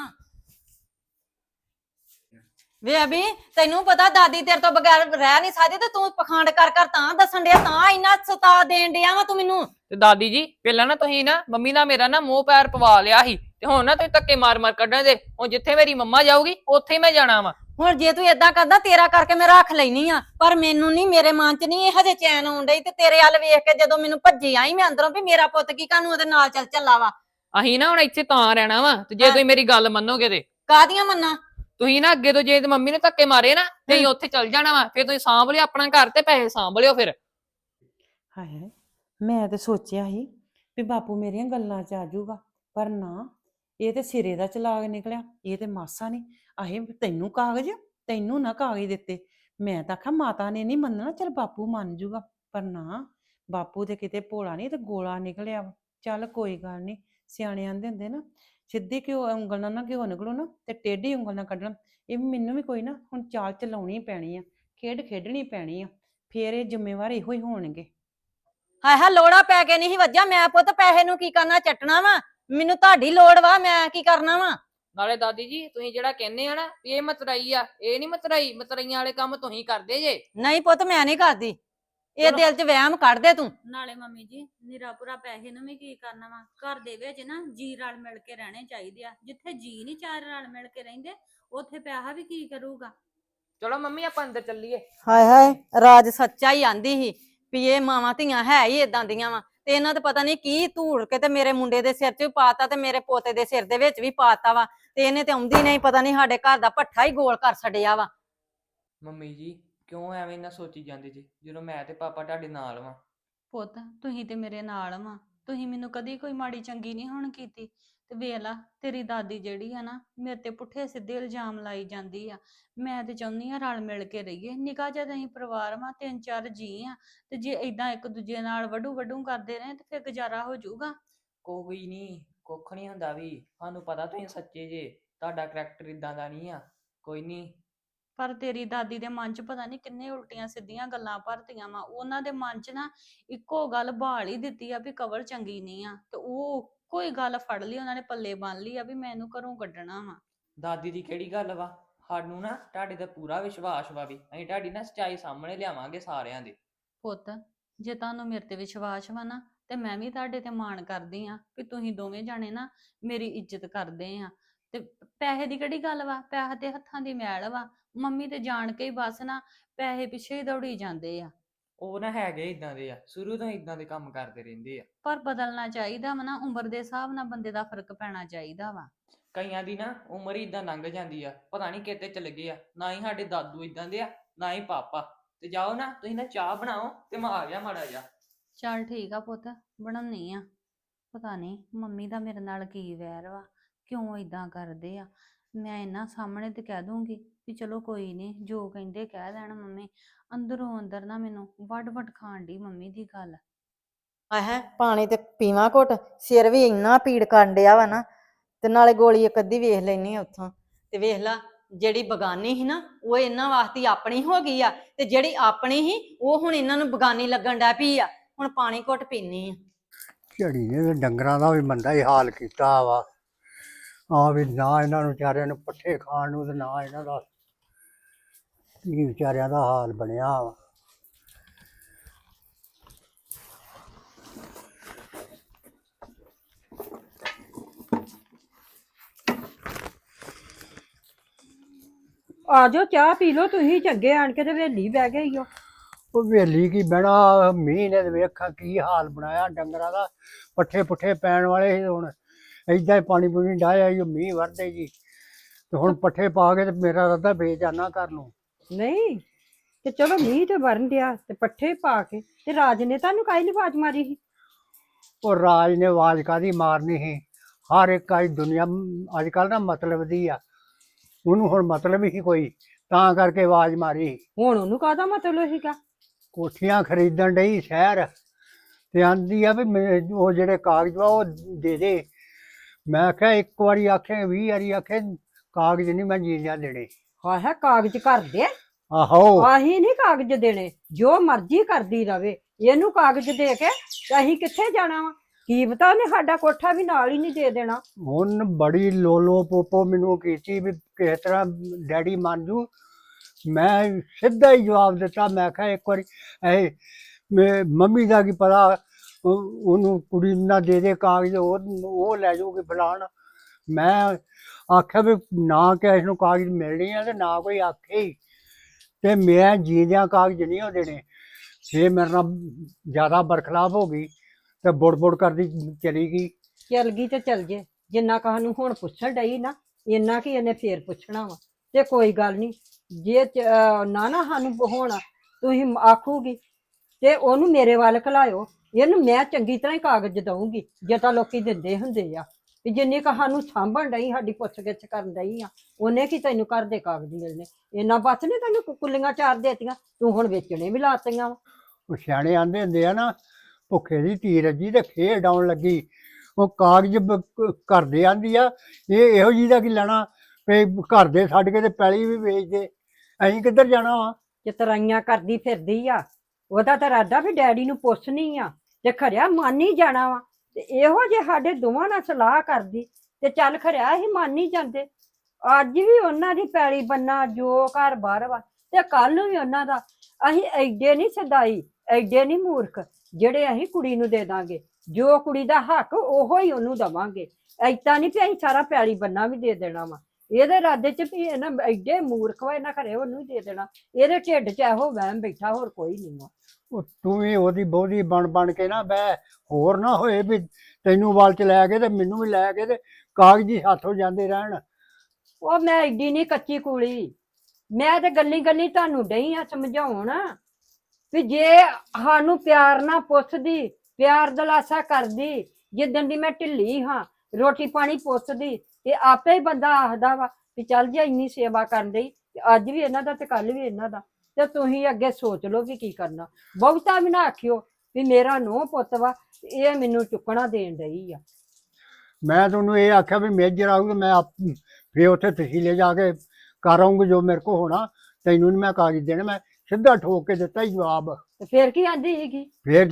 Speaker 3: ਵੇ ਅਭੀ, ਤੈਨੂੰ ਪਤਾ ਦਾਦੀ ਤੇਰੇ ਤੋਂ ਬਗੈਰ ਰਹਿ ਨਹੀਂ ਸਕਦੀ, ਤੇ ਤੂੰ ਪਖੰਡ ਕਰ ਕਰ ਤਾਂ ਦੱਸਣ ਡਿਆ, ਤਾਂ ਇੰਨਾ ਸਤਾ ਦੇਣ ਡਿਆ ਵਾ ਤੂੰ ਮੈਨੂੰ।
Speaker 4: ਤੇ ਦਾਦੀ ਜੀ ਪਹਿਲਾਂ ਨਾ ਤੁਸੀਂ ਨਾ ਮੰਮੀ ਨਾਲ ਮੇਰਾ ਨਾ ਮੂੰਹ ਪੈਰ ਪਵਾ ਲਿਆ ਸੀ, ਤੇ ਹੁਣ ਨਾ ਤੁਸੀਂ ਧੱਕੇ ਮਾਰ ਮਾਰ ਕੱਢਣ ਦੇ। ਹੁਣ ਜਿੱਥੇ ਮੇਰੀ ਮੰਮਾ ਜਾਊਗੀ ਉੱਥੇ ਹੀ ਮੈਂ ਜਾਣਾ ਵਾ।
Speaker 3: ਹੁਣ ਜੇ ਤੂੰ ਏਦਾਂ ਕਰਦਾ, ਤੇਰਾ ਕਰਕੇ ਮੈਂ ਰੱਖ ਲੈਣੀ ਆ। ਪਰ ਮੈਨੂੰ ਨਹੀਂ, ਮੇਰੇ ਮਨ ਚ ਨਹੀਂ ਇਹ ਹਜੇ ਚੈਨ ਆਉਣ ਡਈ। ਤੇ ਤੇਰੇ ਵੱਲ ਵੇਖ ਕੇ ਜਦੋਂ ਮੈਨੂੰ ਭੱਜੀ ਆਈ ਮੈਂ ਅੰਦਰੋਂ ਵੀ ਮੇਰਾ ਪੁੱਤ ਕੀ ਕਾਹਨੂੰ ਉਹਦੇ ਨਾਲ ਚੱਲ ਚੱਲਾ ਵਾ।
Speaker 4: ਅਸੀਂ ਨਾ ਹੁਣ ਇੱਥੇ ਤਾਂ ਰਹਿਣਾ ਵਾ, ਤੇ ਜੇ ਤੁਸੀਂ ਮੇਰੀ ਗੱਲ ਮੰਨੋਗੇ ਤੇ।
Speaker 3: ਕਾਹਦੀਆਂ ਮੰਨਾਂ?
Speaker 4: ਤੁਸੀਂ ਨਾ ਅੱਗੇ ਤੋਂ ਜੇ ਮੰਮੀ ਨੇ ਧੱਕੇ ਮਾਰੇ ਨਾ, ਤੇ ਅਸੀਂ ਉੱਥੇ ਚੱਲ ਜਾਣਾ ਵਾ। ਫਿਰ ਤੁਸੀਂ ਸਾਂਭ ਲਿਓ ਆਪਣਾ ਘਰ ਤੇ ਪੈਸੇ ਸਾਂਭ ਲਿਓ ਫਿਰ।
Speaker 6: ਹਾਏ, ਮੈਂ ਤੇ ਸੋਚਿਆ ਸੀ ਵੀ ਬਾਪੂ ਮੇਰੀਆਂ ਗੱਲਾਂ 'ਚ ਆ ਜਾਊਗਾ, ਪਰ ਨਾ, ਇਹ ਤੇ ਸਿਰੇ ਦਾ ਚਲਾਕ ਨਿਕਲਿਆ। ਇਹ ਤੇ ਮਾਸਾ ਨਹੀਂ। ਆਹੇ ਤੈਨੂੰ ਕਾਗਜ਼, ਤੈਨੂੰ ਨਾ ਕਾਗਜ਼ ਦਿੱਤੇ। ਮੈਂ ਤਾਂ ਆਖਿਆ ਮਾਤਾ ਨੇ ਨਹੀਂ ਮੰਨਣਾ, ਚਲ ਬਾਪੂ ਮੰਨ ਜੂਗਾ। ਪਰ ਨਾ, ਬਾਪੂ ਤੇ ਕਿਤੇ ਭੋਲਾ ਨਹੀਂ ਤੇ ਗੋਲਾ ਨਿਕਲਿਆ ਵਾ। ਚੱਲ ਕੋਈ ਗੱਲ ਨਹੀਂ, ਸਿਆਣੇ ਆਂਦੇ ਹੁੰਦੇ ਨਾ, ਸਿੱਧੀ ਉਂਗਲ ਨਾਲ ਨਾ ਘਿਓ ਨਿਕਲੋ ਨਾ, ਤੇ ਟੇਢੀ ਉਂਗਲ ਨਾਲ ਕੱਢਣਾ। ਇਹ ਮੈਨੂੰ ਵੀ ਕੋਈ ਨਾ ਹੁਣ ਚਾਲ ਚਲਾਉਣੀ ਪੈਣੀ ਆ, ਖੇਡ ਖੇਡਣੀ ਪੈਣੀ ਆ। ਫੇਰ ਇਹ ਜ਼ਿੰਮੇਵਾਰ ਇਹੋ ਹੀ ਹੋਣਗੇ।
Speaker 3: ਹਾਏ ਹਾਏ, ਲੋੜਾ ਪੈ ਕੇ ਨਹੀਂ ਵੱਜਾ। ਮੈਂ ਪੁੱਤ ਪੈਸੇ ਨੂੰ ਕੀ ਕਰਨਾ, ਚੱਟਣਾ ਵਾ? ਮੈਨੂੰ ਤੁਹਾਡੀ ਲੋੜ ਵਾ, ਮੈਂ ਕੀ ਕਰਨਾ ਵਾ?
Speaker 4: ਨਾਲੇ ਦਾਦੀ ਜੀ ਤੁਸੀਂ ਜਿਹੜਾ ਕਹਿੰਦੇ ਆ ਨਾ ਵੀ ਇਹ ਮਤਰਾਈ ਆ, ਇਹ ਨਹੀਂ ਮਤਰਾਈ। ਮਤਰਾਈਆਂ ਵਾਲੇ ਕੰਮ ਤੁਸੀਂ ਕਰਦੇ ਜੇ।
Speaker 3: ਨਹੀਂ ਪੁੱਤ, ਮੈਂ ਨਹੀਂ ਕਰਦੀ। ਇਹ ਦਿਲ 'ਚ ਵਹਿਮ ਕੱਢ ਦੇ ਤੂੰ।
Speaker 5: ਨਾਲੇ ਮੰਮੀ ਜੀ, ਨਿਰਾਪੁਰਾ ਪੈਸੇ ਨੂੰ ਵੀ ਕੀ ਕਰਨਾ ਵਾ? ਘਰ ਦੇ ਵਿੱਚ ਨਾ ਜੀ ਰਲ ਮਿਲ ਕੇ ਰਹਿਣੇ ਚਾਹੀਦੇ ਆ। ਜਿੱਥੇ ਜੀ ਨਹੀਂ ਚਾਰ ਰਲ ਮਿਲ ਕੇ ਰਹਿੰਦੇ, ਉੱਥੇ ਪੈਸਾ ਵੀ ਕੀ ਕਰੂਗਾ?
Speaker 4: ਚਲੋ ਮੰਮੀ ਆਪਾਂ ਅੰਦਰ ਚੱਲੀਏ।
Speaker 3: ਹਾਏ ਹਾਏ, ਰਾਜ ਸੱਚਾ ਹੀ ਆਂਦੀ ਸੀ ਵੀ ਇਹ ਮਾਵਾਂ ਧੀਆਂ ਹੈ ਹੀ ਇਦਾਂ ਦੀਆਂ ਵਾ। ਤੇ ਇਹਨਾਂ ਤੇ ਪਤਾ ਨਹੀਂ ਕੀ ਧੂੜ ਕੇ ਤੇ ਮੇਰੇ ਮੁੰਡੇ ਦੇ ਸਿਰ 'ਚ ਵੀ ਪਾਤਾ, ਤੇ ਮੇਰੇ ਪੋਤੇ ਦੇ ਸਿਰ ਦੇ ਵਿੱਚ ਵੀ ਪਾਤਾ ਵਾ। ਤੇ ਇਹਨੇ ਤੇ ਆਉਂਦੀ ਨਹੀਂ, ਪਤਾ ਨਹੀਂ ਸਾਡੇ ਘਰ ਦਾ ਭੱਠਾ ਹੀ ਗੋਲ ਕਰ ਛੱਡਿਆ ਵਾ।
Speaker 4: ਮੰਮੀ ਜੀ ਕਿਉਂ ਐਵੇਂ ਨਾ ਸੋਚੀ ਜਾਂਦੇ ਜੀ, ਜਦੋਂ ਮੈਂ ਤੇ ਪਾਪਾ ਤੁਹਾਡੇ ਨਾਲ ਵਾਂ।
Speaker 5: ਪੁੱਤ, ਤੁਸੀਂ ਤੇ ਮੇਰੇ ਨਾਲ ਵਾ। ਤੁਸੀਂ ਮੈਨੂੰ ਕਦੀ ਕੋਈ ਮਾੜੀ ਚੰਗੀ ਨਹੀਂ ਹੁਣ ਕੀਤੀ। ਤੇ ਵੇਖ ਲਾ, ਤੇਰੀ ਦਾਦੀ ਜਿਹੜੀ ਆ ਨਾ, ਮੇਰੇ ਤੇ ਪੁੱਠੇ ਸਿੱਧੇ ਇਲਜ਼ਾਮ ਲਾਈ ਜਾਂਦੀ ਆ। ਮੈਂ ਤੇ ਚਾਹੁੰਦੀ ਆ ਰਲ ਮਿਲ ਕੇ ਰਹੀਏ। ਨਿੱਕਾ ਜਿਹਾ ਅਸੀਂ ਪਰਿਵਾਰ ਵਾ, 3-4 ਜੀ ਆ। ਤੇ ਜੇ ਏਦਾਂ ਇੱਕ ਦੂਜੇ ਨਾਲ ਵੱਡੂ ਵੱਡੂ ਕਰਦੇ ਰਹੇ ਤੇ ਫਿਰ ਗੁਜ਼ਾਰਾ ਹੋ ਜਾਊਗਾ।
Speaker 4: ਕੋਈ ਨਹੀਂ, ਕੁੱਖ ਨਹੀਂ ਹੁੰਦਾ ਵੀ। ਸਾਨੂੰ ਪਤਾ ਤੁਸੀਂ ਸੱਚੇ ਜੇ, ਤੁਹਾਡਾ ਕਰੈਕਟਰ ਇਦਾਂ ਦਾ ਨਹੀਂ ਆ। ਕੋਈ ਨਹੀਂ।
Speaker 5: ਪਰ ਤੇਰੀ ਦਾਦੀ ਦੇ ਮਨ 'ਚ ਪਤਾ ਨਹੀਂ ਕਿੰਨੇ ਉਲਟੀਆਂ ਸਿੱਧੀਆਂ ਗੱਲਾਂ ਭਰਤੀਆਂ ਵਾ। ਉਹਨਾਂ ਦੇ ਮਨ 'ਚ ਨਾ ਇੱਕੋ ਗੱਲ ਬਹਾਲ ਹੀ ਦਿੱਤੀ ਆ ਵੀ ਕਵਲ ਚੰਗੀ ਨਹੀਂ ਆ। ਤੇ ਉਹ ਕੋਈ ਗੱਲ ਫੜ ਲਈ ਉਹਨਾਂ ਨੇ, ਪੱਲੇ ਬੰਨ ਲਈ ਆ ਵੀ ਮੈਂ ਇਹਨੂੰ ਘਰੋਂ ਕੱਢਣਾ ਵਾ।
Speaker 4: ਦਾਦੀ ਦੀ ਕਿਹੜੀ ਗੱਲ ਵਾ? ਸਾਨੂੰ ਨਾ ਤੁਹਾਡੇ ਤੇ ਪੂਰਾ ਵਿਸ਼ਵਾਸ ਵਾ ਵੀ ਅਸੀਂ ਤੁਹਾਡੀ ਨਾ ਸੱਚਾਈ ਸਾਹਮਣੇ ਲਿਆਵਾਂਗੇ ਸਾਰਿਆਂ ਦੇ।
Speaker 5: ਪੁੱਤ, ਜੇ ਤੁਹਾਨੂੰ ਮੇਰੇ ਤੇ ਵਿਸ਼ਵਾਸ ਵਾ ਨਾ, ਤੇ ਮੈਂ ਵੀ ਤੁਹਾਡੇ ਤੇ ਮਾਣ ਕਰਦੀ ਆ ਵੀ ਤੁਸੀਂ ਦੋਵੇਂ ਜਾਣੇ ਨਾ ਮੇਰੀ ਇੱਜ਼ਤ ਕਰਦੇ ਆ। ਤੇ ਪੈਸੇ ਦੀ ਕਿਹੜੀ ਗੱਲ ਵਾ, ਪੈਸਾ ਤੇ ਹੱਥਾਂ ਦੀ ਮੈਲ ਵਾ। ਮੰਮੀ ਤੇ ਜਾਣ ਕੇ ਹੀ ਬਸ ਨਾ ਪੈਸੇ ਪਿੱਛੇ ਹੀ ਦੌੜੀ ਜਾਂਦੇ ਆ।
Speaker 4: ਉਹ ਨਾ ਹੈਗੇ ਇਦਾਂ ਦੇ ਆ, ਸ਼ੁਰੂ ਤੋਂ ਇਦਾਂ ਦੇ ਕੰਮ ਕਰਦੇ ਰਹਿੰਦੇ ਆ।
Speaker 5: ਪਰ ਬਦਲਣਾ ਚਾਹੀਦਾ ਵਾ ਨਾ, ਉਮਰ ਦੇ ਹਿਸਾਬ ਨਾਲ ਬੰਦੇ ਦਾ ਫਰਕ ਪੈਣਾ ਚਾਹੀਦਾ ਵਾ।
Speaker 4: ਕਈਆਂ ਦੀ ਨਾ ਉਮਰ ਹੀ ਇਦਾਂ ਲੰਘ ਜਾਂਦੀ ਆ, ਪਤਾ ਨਹੀਂ ਕਿਤੇ ਚਲੇ ਗਏ ਆ। ਨਾ ਹੀ ਸਾਡੇ ਦਾਦੂ ਇਦਾਂ ਦੇ ਆ, ਨਾ ਹੀ ਪਾਪਾ। ਤੇ ਜਾਓ ਨਾ ਤੁਸੀਂ ਨਾ ਚਾਹ ਬਣਾਓ ਤੇ ਮੈਂ ਆ ਗਿਆ ਮਾੜਾ ਜਿਹਾ।
Speaker 5: ਚੱਲ ਠੀਕ ਆ ਪੁੱਤ, ਬਣਾਉਣੀ ਆ। ਪਤਾ ਨਹੀਂ ਮੰਮੀ ਦਾ ਮੇਰੇ ਨਾਲ ਕੀ ਵੈਰ ਵਾ, ਕਿਉਂ ਇਦਾਂ ਕਰਦੇ ਆ। ਮੈਂ ਇਹਨਾਂ ਸਾਹਮਣੇ ਤੇ ਕਹਿ ਦੂੰਗੀ ਵੀ ਚਲੋ ਕੋਈ ਨਹੀਂ, ਜੋ ਕਹਿੰਦੇ ਕਹਿ ਦੇਣ ਮੰਮੀ। ਅੰਦਰੋਂ ਅੰਦਰ ਨਾ ਮੈਨੂੰ ਵੱਡ ਵੱਡ ਖਾਣ ਦੀ ਮੰਮੀ ਦੀ ਗੱਲ।
Speaker 7: ਆਹ ਪਾਣੀ ਤੇ ਪੀਵਾਂ ਘੁੱਟ, ਸਿਰ ਵੀ ਇੰਨਾ ਪੀੜ ਕਰਨ ਡਿਆ ਵਾ ਨਾ। ਤੇ ਨਾਲੇ ਗੋਲੀ ਇੱਕ ਅੱਧੀ ਵੇਖ ਲੈਣੀ ਆ ਉੱਥੋਂ। ਤੇ ਵੇਖ ਲਾ, ਜਿਹੜੀ ਬਗਾਨੀ ਸੀ ਨਾ ਉਹ ਇਹਨਾਂ ਵਾਸਤੇ ਆਪਣੀ ਹੋ ਗਈ ਆ, ਤੇ ਜਿਹੜੀ ਆਪਣੀ ਸੀ ਉਹ ਹੁਣ ਇਹਨਾਂ ਨੂੰ ਬਗਾਨੀ ਲੱਗਣ ਡੈ ਪਈ ਆ। ਹੁਣ ਪਾਣੀ ਘੁੱਟ ਪੀਨੀ ਆ।
Speaker 1: ਝੜੀ ਨੇ ਤੇ ਡੰਗਰਾਂ ਦਾ ਵੀ ਮੰਦਾ ਹੀ ਹਾਲ ਕੀਤਾ ਵਾ। ਆ ਵੀ ਨਾ ਇਹਨਾਂ ਨੂੰ ਵਿਚਾਰਿਆਂ ਨੂੰ ਪੱਠੇ ਖਾਣ ਨੂੰ ਤੇ ਨਾ ਇਹਨਾਂ ਦਾ ਕੀ ਵਿਚਾਰਿਆਂ ਦਾ ਹਾਲ ਬਣਿਆ ਵਾ।
Speaker 2: ਆ ਜਾਓ ਚਾਹ ਪੀ ਲਓ, ਤੁਸੀਂ ਚੰਗੇ ਆਣ ਕੇ ਤੇ ਵੇਲੀ ਬਹਿ ਗਏ ਈ ਓ।
Speaker 1: ਉਹ ਵੇਲੀ ਕੀ ਬਹਿਣਾ, ਮੀਂਹ ਨੇ ਤੇ ਵੇਖਾਂ ਕੀ ਹਾਲ ਬਣਾਇਆ ਡੰਗਰਾਂ ਦਾ। ਪੱਠੇ ਪੁੱਠੇ ਪੈਣ ਵਾਲੇ ਸੀ, ਹੁਣ ਏਦਾਂ ਹੀ ਪਾਣੀ ਪੂਣੀ ਡਾਹਿਆ ਈ, ਉਹ ਮੀਂਹ ਵਰਦੇ ਜੀ। ਤੇ ਹੁਣ ਪੱਠੇ ਪਾ ਕੇ ਤੇ ਮੇਰਾ ਰੱਦਾ ਵੇਚ ਜਾਣਾ ਘਰ ਨੂੰ।
Speaker 2: ਨਹੀਂ ਤੇ ਚਲੋ ਮੀਂਹ ਤੇ ਵਰਨ ਡਿਆ ਤੇ ਪੱਠੇ ਪਾ ਕੇ ਤੇ ਰਾਜ ਨੇ ਤੁਹਾਨੂੰ ਕਾਹਲੀ ਨੀ ਆਵਾਜ਼ ਮਾਰੀ ਸੀ?
Speaker 1: ਉਹ ਰਾਜ ਨੇ ਆਵਾਜ਼ ਕਾਹਦੀ ਮਾਰਨੀ ਸੀ? ਹਰ ਇੱਕ ਅੱਜ ਦੁਨੀਆ ਅੱਜ ਕੱਲ੍ਹ ਨਾ ਮਤਲਬ ਦੀ ਆ, ਉਹਨੂੰ ਹੁਣ ਮਤਲਬ ਹੀ ਕੋਈ, ਤਾਂ ਕਰਕੇ ਆਵਾਜ਼ ਮਾਰੀ।
Speaker 2: ਹੁਣ ਉਹਨੂੰ ਕਾਹਦਾ ਮਤਲਬ ਸੀਗਾ?
Speaker 1: ਕੋਠੀਆਂ ਖਰੀਦਣ ਡਈ ਸ਼ਹਿਰ, ਤੇ ਆਂਦੀ ਆ ਵੀ ਉਹ ਜਿਹੜੇ ਕਾਗਜ਼ ਵਾ ਉਹ ਦੇ ਦੇ। ਮੈਂ ਕਿਹਾ ਇੱਕ ਵਾਰੀ ਆਖੇ 20 ਵਾਰੀ ਆਖੇ ਕਾਗਜ਼ ਨਹੀਂ ਮੈਂ ਜੀਂਦਿਆਂ ਦੇਣੇ।
Speaker 2: ਹਾਂ ਹੈ ਕਾਗਜ਼ ਘਰ ਦੇ,
Speaker 1: ਆਹੋ
Speaker 2: ਆਹੀ ਨਹੀਂ ਕਾਗਜ਼ ਦੇਣੇ, ਜੋ ਮਰਜ਼ੀ ਕਰਦੀ ਰਵੇ। ਇਹਨੂੰ ਕਾਗਜ਼ ਦੇ ਕੇ ਤੇ ਅਸੀਂ ਕਿੱਥੇ ਜਾਣਾ ਵਾ? ਕੀ ਪਤਾ ਉਹਨੇ ਸਾਡਾ ਕੋਠਾ ਵੀ ਨਾਲ ਹੀ ਨਹੀਂ ਦੇ ਦੇਣਾ।
Speaker 1: ਹੁਣ ਬੜੀ ਲੋਲੋ ਪੋਪੋ ਮੈਨੂੰ ਕੀਤੀ ਵੀ ਕਿਸ ਤਰ੍ਹਾਂ ਡੈਡੀ ਮੰਨ ਜੂ। ਮੈਂ ਸਿੱਧਾ ਹੀ ਜਵਾਬ ਦਿੱਤਾ, ਮੈਂ ਕਿਹਾ ਇੱਕ ਵਾਰੀ ਮੰਮੀ ਦਾ ਕੀ ਪਤਾ, ਉਹਨੂੰ ਕੁੜੀ ਨੂੰ ਨਾ ਦੇ ਦੇ ਕਾਗਜ਼, ਉਹ ਲੈ ਜਾਊਗੀ ਫਲਾਣ। ਮੈਂ ਆਖਿਆ ਵੀ ਨਾ ਕਿਸੇ ਨੂੰ ਕਾਗਜ਼ ਮਿਲਣੇ ਆ ਤੇ ਨਾ ਕੋਈ ਆਖੇ ਹੀ, ਤੇ ਮੈਂ ਜੀਂਦਿਆਂ ਕਾਗਜ਼ ਨਹੀਂ ਉਹ ਦੇਣੇ। ਜੇ ਮੇਰੇ ਨਾਲ ਜ਼ਿਆਦਾ ਬਰਖਲਾਫ ਹੋ ਗਈ ਤੇ ਬੁੜ ਬੁੜ ਕਰਦੀ ਚਲੀ ਗਈ।
Speaker 2: ਚੱਲ ਗਈ ਤੇ ਚੱਲ ਜੇ, ਜਿੰਨਾ ਕਹਾਨੂੰ ਹੁਣ ਪੁੱਛਣ ਡਈ ਨਾ ਇੰਨਾ ਕੀ ਇਹਨੇ ਫੇਰ ਪੁੱਛਣਾ ਵਾ। ਤੇ ਕੋਈ ਗੱਲ ਨਹੀਂ, ਜੇ ਨਾ ਸਾਨੂੰ ਹੁਣ ਤੁਸੀਂ ਆਖੂਗੀ ਤੇ ਉਹਨੂੰ ਮੇਰੇ ਵੱਲ ਘਲਾਇਓ। ਇਹਨੂੰ ਮੈਂ ਚੰਗੀ ਤਰ੍ਹਾਂ ਹੀ ਕਾਗਜ਼ ਦਊਂਗੀ, ਜੇ ਤਾਂ ਲੋਕੀ ਦਿੰਦੇ ਹੁੰਦੇ ਆ ਵੀ ਜਿੰਨੀ ਕਹਾਨੂੰ ਸਾਂਭਣ ਡਈ, ਸਾਡੀ ਪੁੱਛ ਗਿੱਛ ਕਰਨ ਡਈ ਆ, ਉਹਨੇ ਕੀ ਤੈਨੂੰ ਘਰ ਦੇ ਕਾਗਜ਼ ਮਿਲਣੇ? ਇੰਨਾ ਬਸ ਨੇ ਤੈਨੂੰ ਕੁੱਲੀਆਂ ਚਾਰ ਦੇਤੀਆਂ, ਤੂੰ ਹੁਣ ਵੇਚਣੇ ਵੀ ਲਾਤੀਆਂ ਵਾ।
Speaker 1: ਉਹ ਸਿਆਣੇ ਆਂਦੇ ਹੁੰਦੇ ਆ ਨਾ, ਭੁੱਖੇ ਦੀ ਧੀ ਰੱਜੀ ਤੇ ਖੇਡ ਆਉਣ ਲੱਗੀ। ਉਹ ਕਾਗਜ਼ ਘਰ ਦੇ ਆਂਦੀ ਆ, ਇਹ ਇਹੋ ਜਿਹੀ ਦਾ ਕੀ ਲੈਣਾ ਵੀ ਘਰ ਦੇ ਛੱਡ ਕੇ ਤੇ ਪੈਲੀ ਵੀ ਵੇਚ ਦੇ, ਅਸੀਂ ਕਿੱਧਰ ਜਾਣਾ ਵਾ?
Speaker 2: ਚਤਰਾਈਆਂ ਕਰਦੀ ਫਿਰਦੀ ਆ। ਉਹਦਾ ਤਾਂ ਇਰਾਦਾ ਵੀ ਡੈਡੀ ਨੂੰ ਪੁੱਛਣੀ ਆ ਤੇ ਖਰਿਆ ਮੰਨ ਹੀ ਜਾਣਾ ਵਾ। ਤੇ ਇਹੋ ਜੇ ਸਾਡੇ ਦੋਵਾਂ ਨਾਲ ਸਲਾਹ ਕਰਦੀ ਤੇ ਚੱਲ ਖਰਿਆ ਅਸੀਂ ਮੰਨ ਹੀ ਜਾਂਦੇ। ਅੱਜ ਵੀ ਉਹਨਾਂ ਦੀ ਪੈਲੀ ਬੰਨਾ, ਜੋ ਘਰ ਬਾਹਰ ਵਾ, ਤੇ ਕੱਲ ਨੂੰ ਵੀ ਉਹਨਾਂ ਦਾ। ਅਸੀਂ ਐਡੇ ਨਹੀਂ ਸਦਾਈ, ਐਡੇ ਨਹੀਂ ਮੂਰਖ ਜਿਹੜੇ ਅਸੀਂ ਕੁੜੀ ਨੂੰ ਦੇ ਦਾਂਗੇ। ਜੋ ਕੁੜੀ ਦਾ ਹੱਕ ਉਹੋ ਹੀ ਉਹਨੂੰ ਦੇਵਾਂਗੇ। ਏਦਾਂ ਨਹੀਂ ਵੀ ਅਸੀਂ ਸਾਰਾ ਪੈਲੀ ਬੰਨਾ ਵੀ ਦੇ ਦੇਣਾ ਵਾ। ਇਹਦੇ ਇਰਾਦੇ ਚ ਵੀ ਇਹਨਾਂ ਐਡੇ ਮੂਰਖ ਵਾ, ਇਹਨਾਂ ਘਰੇ ਉਹਨੂੰ ਹੀ ਦੇ ਦੇਣਾ। ਇਹਦੇ ਢਿੱਡ ਚ ਇਹੋ ਵਹਿਮ ਬੈਠਾ, ਹੋਰ ਕੋਈ ਨਹੀਂ ਵਾ।
Speaker 1: ਉਹ ਤੂੰ ਵੀ ਉਹਦੀ ਬਹੁਤੀ ਬਣ ਕੇ ਨਾ ਬਹਿ, ਹੋਰ ਨਾ ਹੋਏ ਵੀ ਤੈਨੂੰ ਵੱਲ ਚ ਲੈ ਕੇ ਤੇ ਮੈਨੂੰ ਵੀ ਲੈ ਕੇ ਤੇ ਕਾਗਜ਼ ਹੀ ਹੱਥੋਂ ਜਾਂਦੇ ਰਹਿਣ।
Speaker 2: ਉਹ ਮੈਂ ਐਡੀ ਨਹੀਂ ਕੱਚੀ ਕੂਲੀ, ਮੈਂ ਤੇ ਗੱਲੀ ਗੱਲੀ ਤੁਹਾਨੂੰ ਡਈ ਆ ਸਮਝਾਉਣ ਵੀ ਜੇ ਸਾਨੂੰ ਪਿਆਰ ਨਾਲ ਪੁੱਛਦੀ, ਪਿਆਰ ਦਲਾਸਾ ਕਰਦੀ, ਜਿੱਦਣ ਦੀ ਮੈਂ ਢਿੱਲੀ ਹਾਂ, ਰੋਟੀ ਪਾਣੀ ਪੁੱਛਦੀ, ਤੇ ਆਪੇ ਹੀ ਬੰਦਾ ਆਖਦਾ ਵਾ ਵੀ ਚੱਲ ਜੇ ਇੰਨੀ ਸੇਵਾ ਕਰਨ ਡਈ, ਤੇ ਅੱਜ ਵੀ ਇਹਨਾਂ ਦਾ ਤੇ ਕੱਲ ਵੀ ਇਹਨਾਂ ਦਾ। ਤੇ ਤੁਸੀਂ ਅੱਗੇ ਸੋਚ ਲਓ ਵੀ ਕੀ ਕਰਨਾ। ਬਹੁਤਾ ਵੀ ਨਾ ਆਖਿਓ ਵੀ ਮੇਰਾ ਨੂੰਹ ਪੁੱਤ ਵਾ, ਇਹ ਮੈਨੂੰ ਚੁੱਕਣਾ ਦੇਣ ਡਈ ਆ।
Speaker 1: ਮੈਂ ਤੁਹਾਨੂੰ ਇਹ ਆਖਿਆ ਵੀ ਮੇਜਰ ਆਊਗਾ, ਮੈਂ ਫੇਰ ਉੱਥੇ ਤਹਿਸੀਲੇ ਜਾ ਕੇ ਕਰ ਆਊਂਗਾ ਜੋ ਮੇਰੇ ਕੋਲ ਹੋਣਾ। ਤੈਨੂੰ ਨਹੀਂ ਮੈਂ ਕਾਗਜ਼ ਦੇਣੇ, ਮੈਂ ਸਿੱਧਾ ਠੋਕ ਕੇ ਦਿੱਤਾ ਹੀ ਜਵਾਬ।
Speaker 2: ਤੇ ਫੇਰ ਕੀ ਆਂਦੀ ਸੀਗੀ?
Speaker 1: ਫੇਰ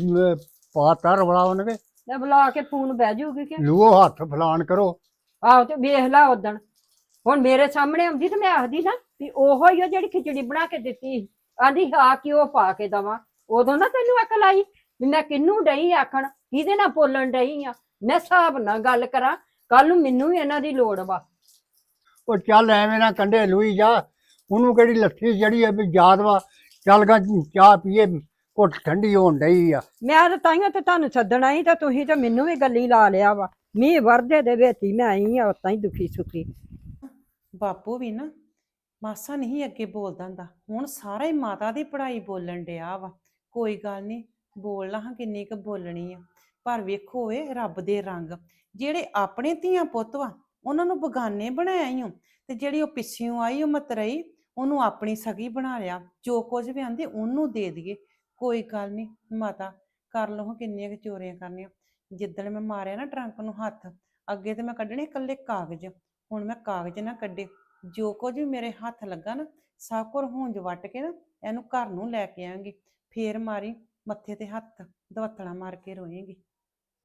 Speaker 1: ਪਾਤਾ ਰਵਲਾ ਉਹਨੇ,
Speaker 2: ਤੇ ਬੁਲਾ ਕੇ ਫੋਨ ਬਹਿ ਜਾਊਗੀ ਕਿ
Speaker 1: ਲੂਓ ਹੱਥ ਫਲਾਣ ਕਰੋ।
Speaker 2: ਆਹੋ ਤੇ ਵੇਖ ਲਾ ਉਦਣ ਹੁਣ ਮੇਰੇ ਸਾਹਮਣੇ ਆਉਂਦੀ ਤੇ ਮੈਂ ਆਖਦੀ ਨਾ ਵੀ ਉਹੋ ਹੀ ਆ ਜਿਹੜੀ ਖਿਚੜੀ ਬਣਾ ਕੇ ਦਿੱਤੀ ਸੀ। ਆਂਦੀ ਹਾਂ ਕਿ ਉਹ ਪਾ ਕੇ ਦਵਾਂ। ਉਦੋਂ ਨਾ ਤੈਨੂੰ ਅਕਲ ਆਈ ਵੀ ਮੈਂ ਕਿਹਨੂੰ ਡਈ ਆਖਣ ਕਿਹਦੇ ਨਾਲ ਬੋਲਣ ਡਈ ਆ? ਮੈਂ ਹਿਸਾਬ ਨਾਲ ਗੱਲ ਕਰਾਂ, ਕੱਲ ਨੂੰ ਮੈਨੂੰ ਵੀ ਇਹਨਾਂ ਦੀ ਲੋੜ ਵਾ।
Speaker 1: ਉਹ ਚੱਲ ਐਵੇਂ ਨਾ ਕੰਢੇ ਲੂਈ ਜਾ, ਉਹਨੂੰ ਕਿਹੜੀ ਲੱਥੀ ਜਿਹੜੀ ਆ ਵੀ ਯਾਦ ਵਾ। ਚੱਲ ਗਾ ਚਾਹ ਪੀਏ, ਘੁੱਟ ਠੰਡੀ ਹੋਣ ਡਈ ਆ।
Speaker 2: ਮੈਂ ਤਾਂ ਤਾਈਆਂ ਤੇ ਤੁਹਾਨੂੰ ਸੱਦਣਾ ਸੀ ਤੇ ਤੁਸੀਂ ਤੇ ਮੈਨੂੰ ਵੀ ਗੱਲੀ ਲਾ ਲਿਆ ਵਾ। ਮੀਂਹ ਵਰਦੇ ਦੇ ਵਿੱਚ ਹੀ ਮੈਂ ਆਈ ਆ ਉਤਾਂ ਹੀ ਦੁਖੀ ਸੁਖੀ।
Speaker 6: ਬਾਪੂ ਵੀ ਨਾ ਮਾਸਾ ਨਹੀਂ ਅੱਗੇ ਬੋਲਦਾ ਹੁੰਦਾ, ਹੁਣ ਸਾਰਾ ਹੀ ਮਾਤਾ ਦੀ ਪੜ੍ਹਾਈ ਬੋਲਣ ਡਿਆ ਵਾ। ਕੋਈ ਗੱਲ ਨਹੀਂ, ਬੋਲ ਲਾ ਹਾਂ ਕਿੰਨੀ ਕੁ ਬੋਲਣੀ ਆ, ਪਰ ਵੇਖੋ ਏ ਰੱਬ ਦੇ ਰੰਗ, ਜਿਹੜੇ ਆਪਣੇ ਧੀਆਂ ਪੁੱਤ ਵਾ ਉਹਨਾਂ ਨੂੰ ਬਗਾਨੇ ਬਣਾਇਆ ਈ ਓ, ਤੇ ਜਿਹੜੀ ਉਹ ਪਿੱਛਿਓਂ ਆਈ ਉਹ ਮਤਰਈ ਉਹਨੂੰ ਆਪਣੀ ਸਗੀ ਬਣਾ ਲਿਆ। ਜੋ ਕੁਝ ਵੀ ਆਂਦੇ ਉਹਨੂੰ ਦੇ ਦਈਏ। ਕੋਈ ਗੱਲ ਨਹੀਂ ਮਾਤਾ, ਕਰ ਲਓ ਕਿੰਨੀਆਂ ਕੁ ਚੋਰੀਆਂ ਕਰਨੀਆਂ। ਜਿੱਦਣ ਮੈਂ ਮਾਰਿਆ ਨਾ ਟਰੰਕ ਨੂੰ ਹੱਥ, ਅੱਗੇ ਤੇ ਮੈਂ ਕੱਢਣੇ ਇਕੱਲੇ ਕਾਗਜ਼, ਹੁਣ ਮੈਂ ਕਾਗਜ਼ ਨਾ ਕੱਢੇ। ਜੋ ਕੁਝ ਵੀ ਮੇਰੇ ਹੱਥ ਲੱਗਾ ਨਾ, ਸਭ ਕੁਝ ਹੁੰਜ ਵੱਟ ਕੇ ਨਾ ਇਹਨੂੰ ਘਰ ਨੂੰ ਲੈ ਕੇ ਆਵਾਂਗੀ। ਫੇਰ ਮਾਰੀ ਮੱਥੇ ਤੇ ਹੱਥ, ਦਵੱਤਣਾ ਮਾਰ ਕੇ ਰੋਏਂਗੀ।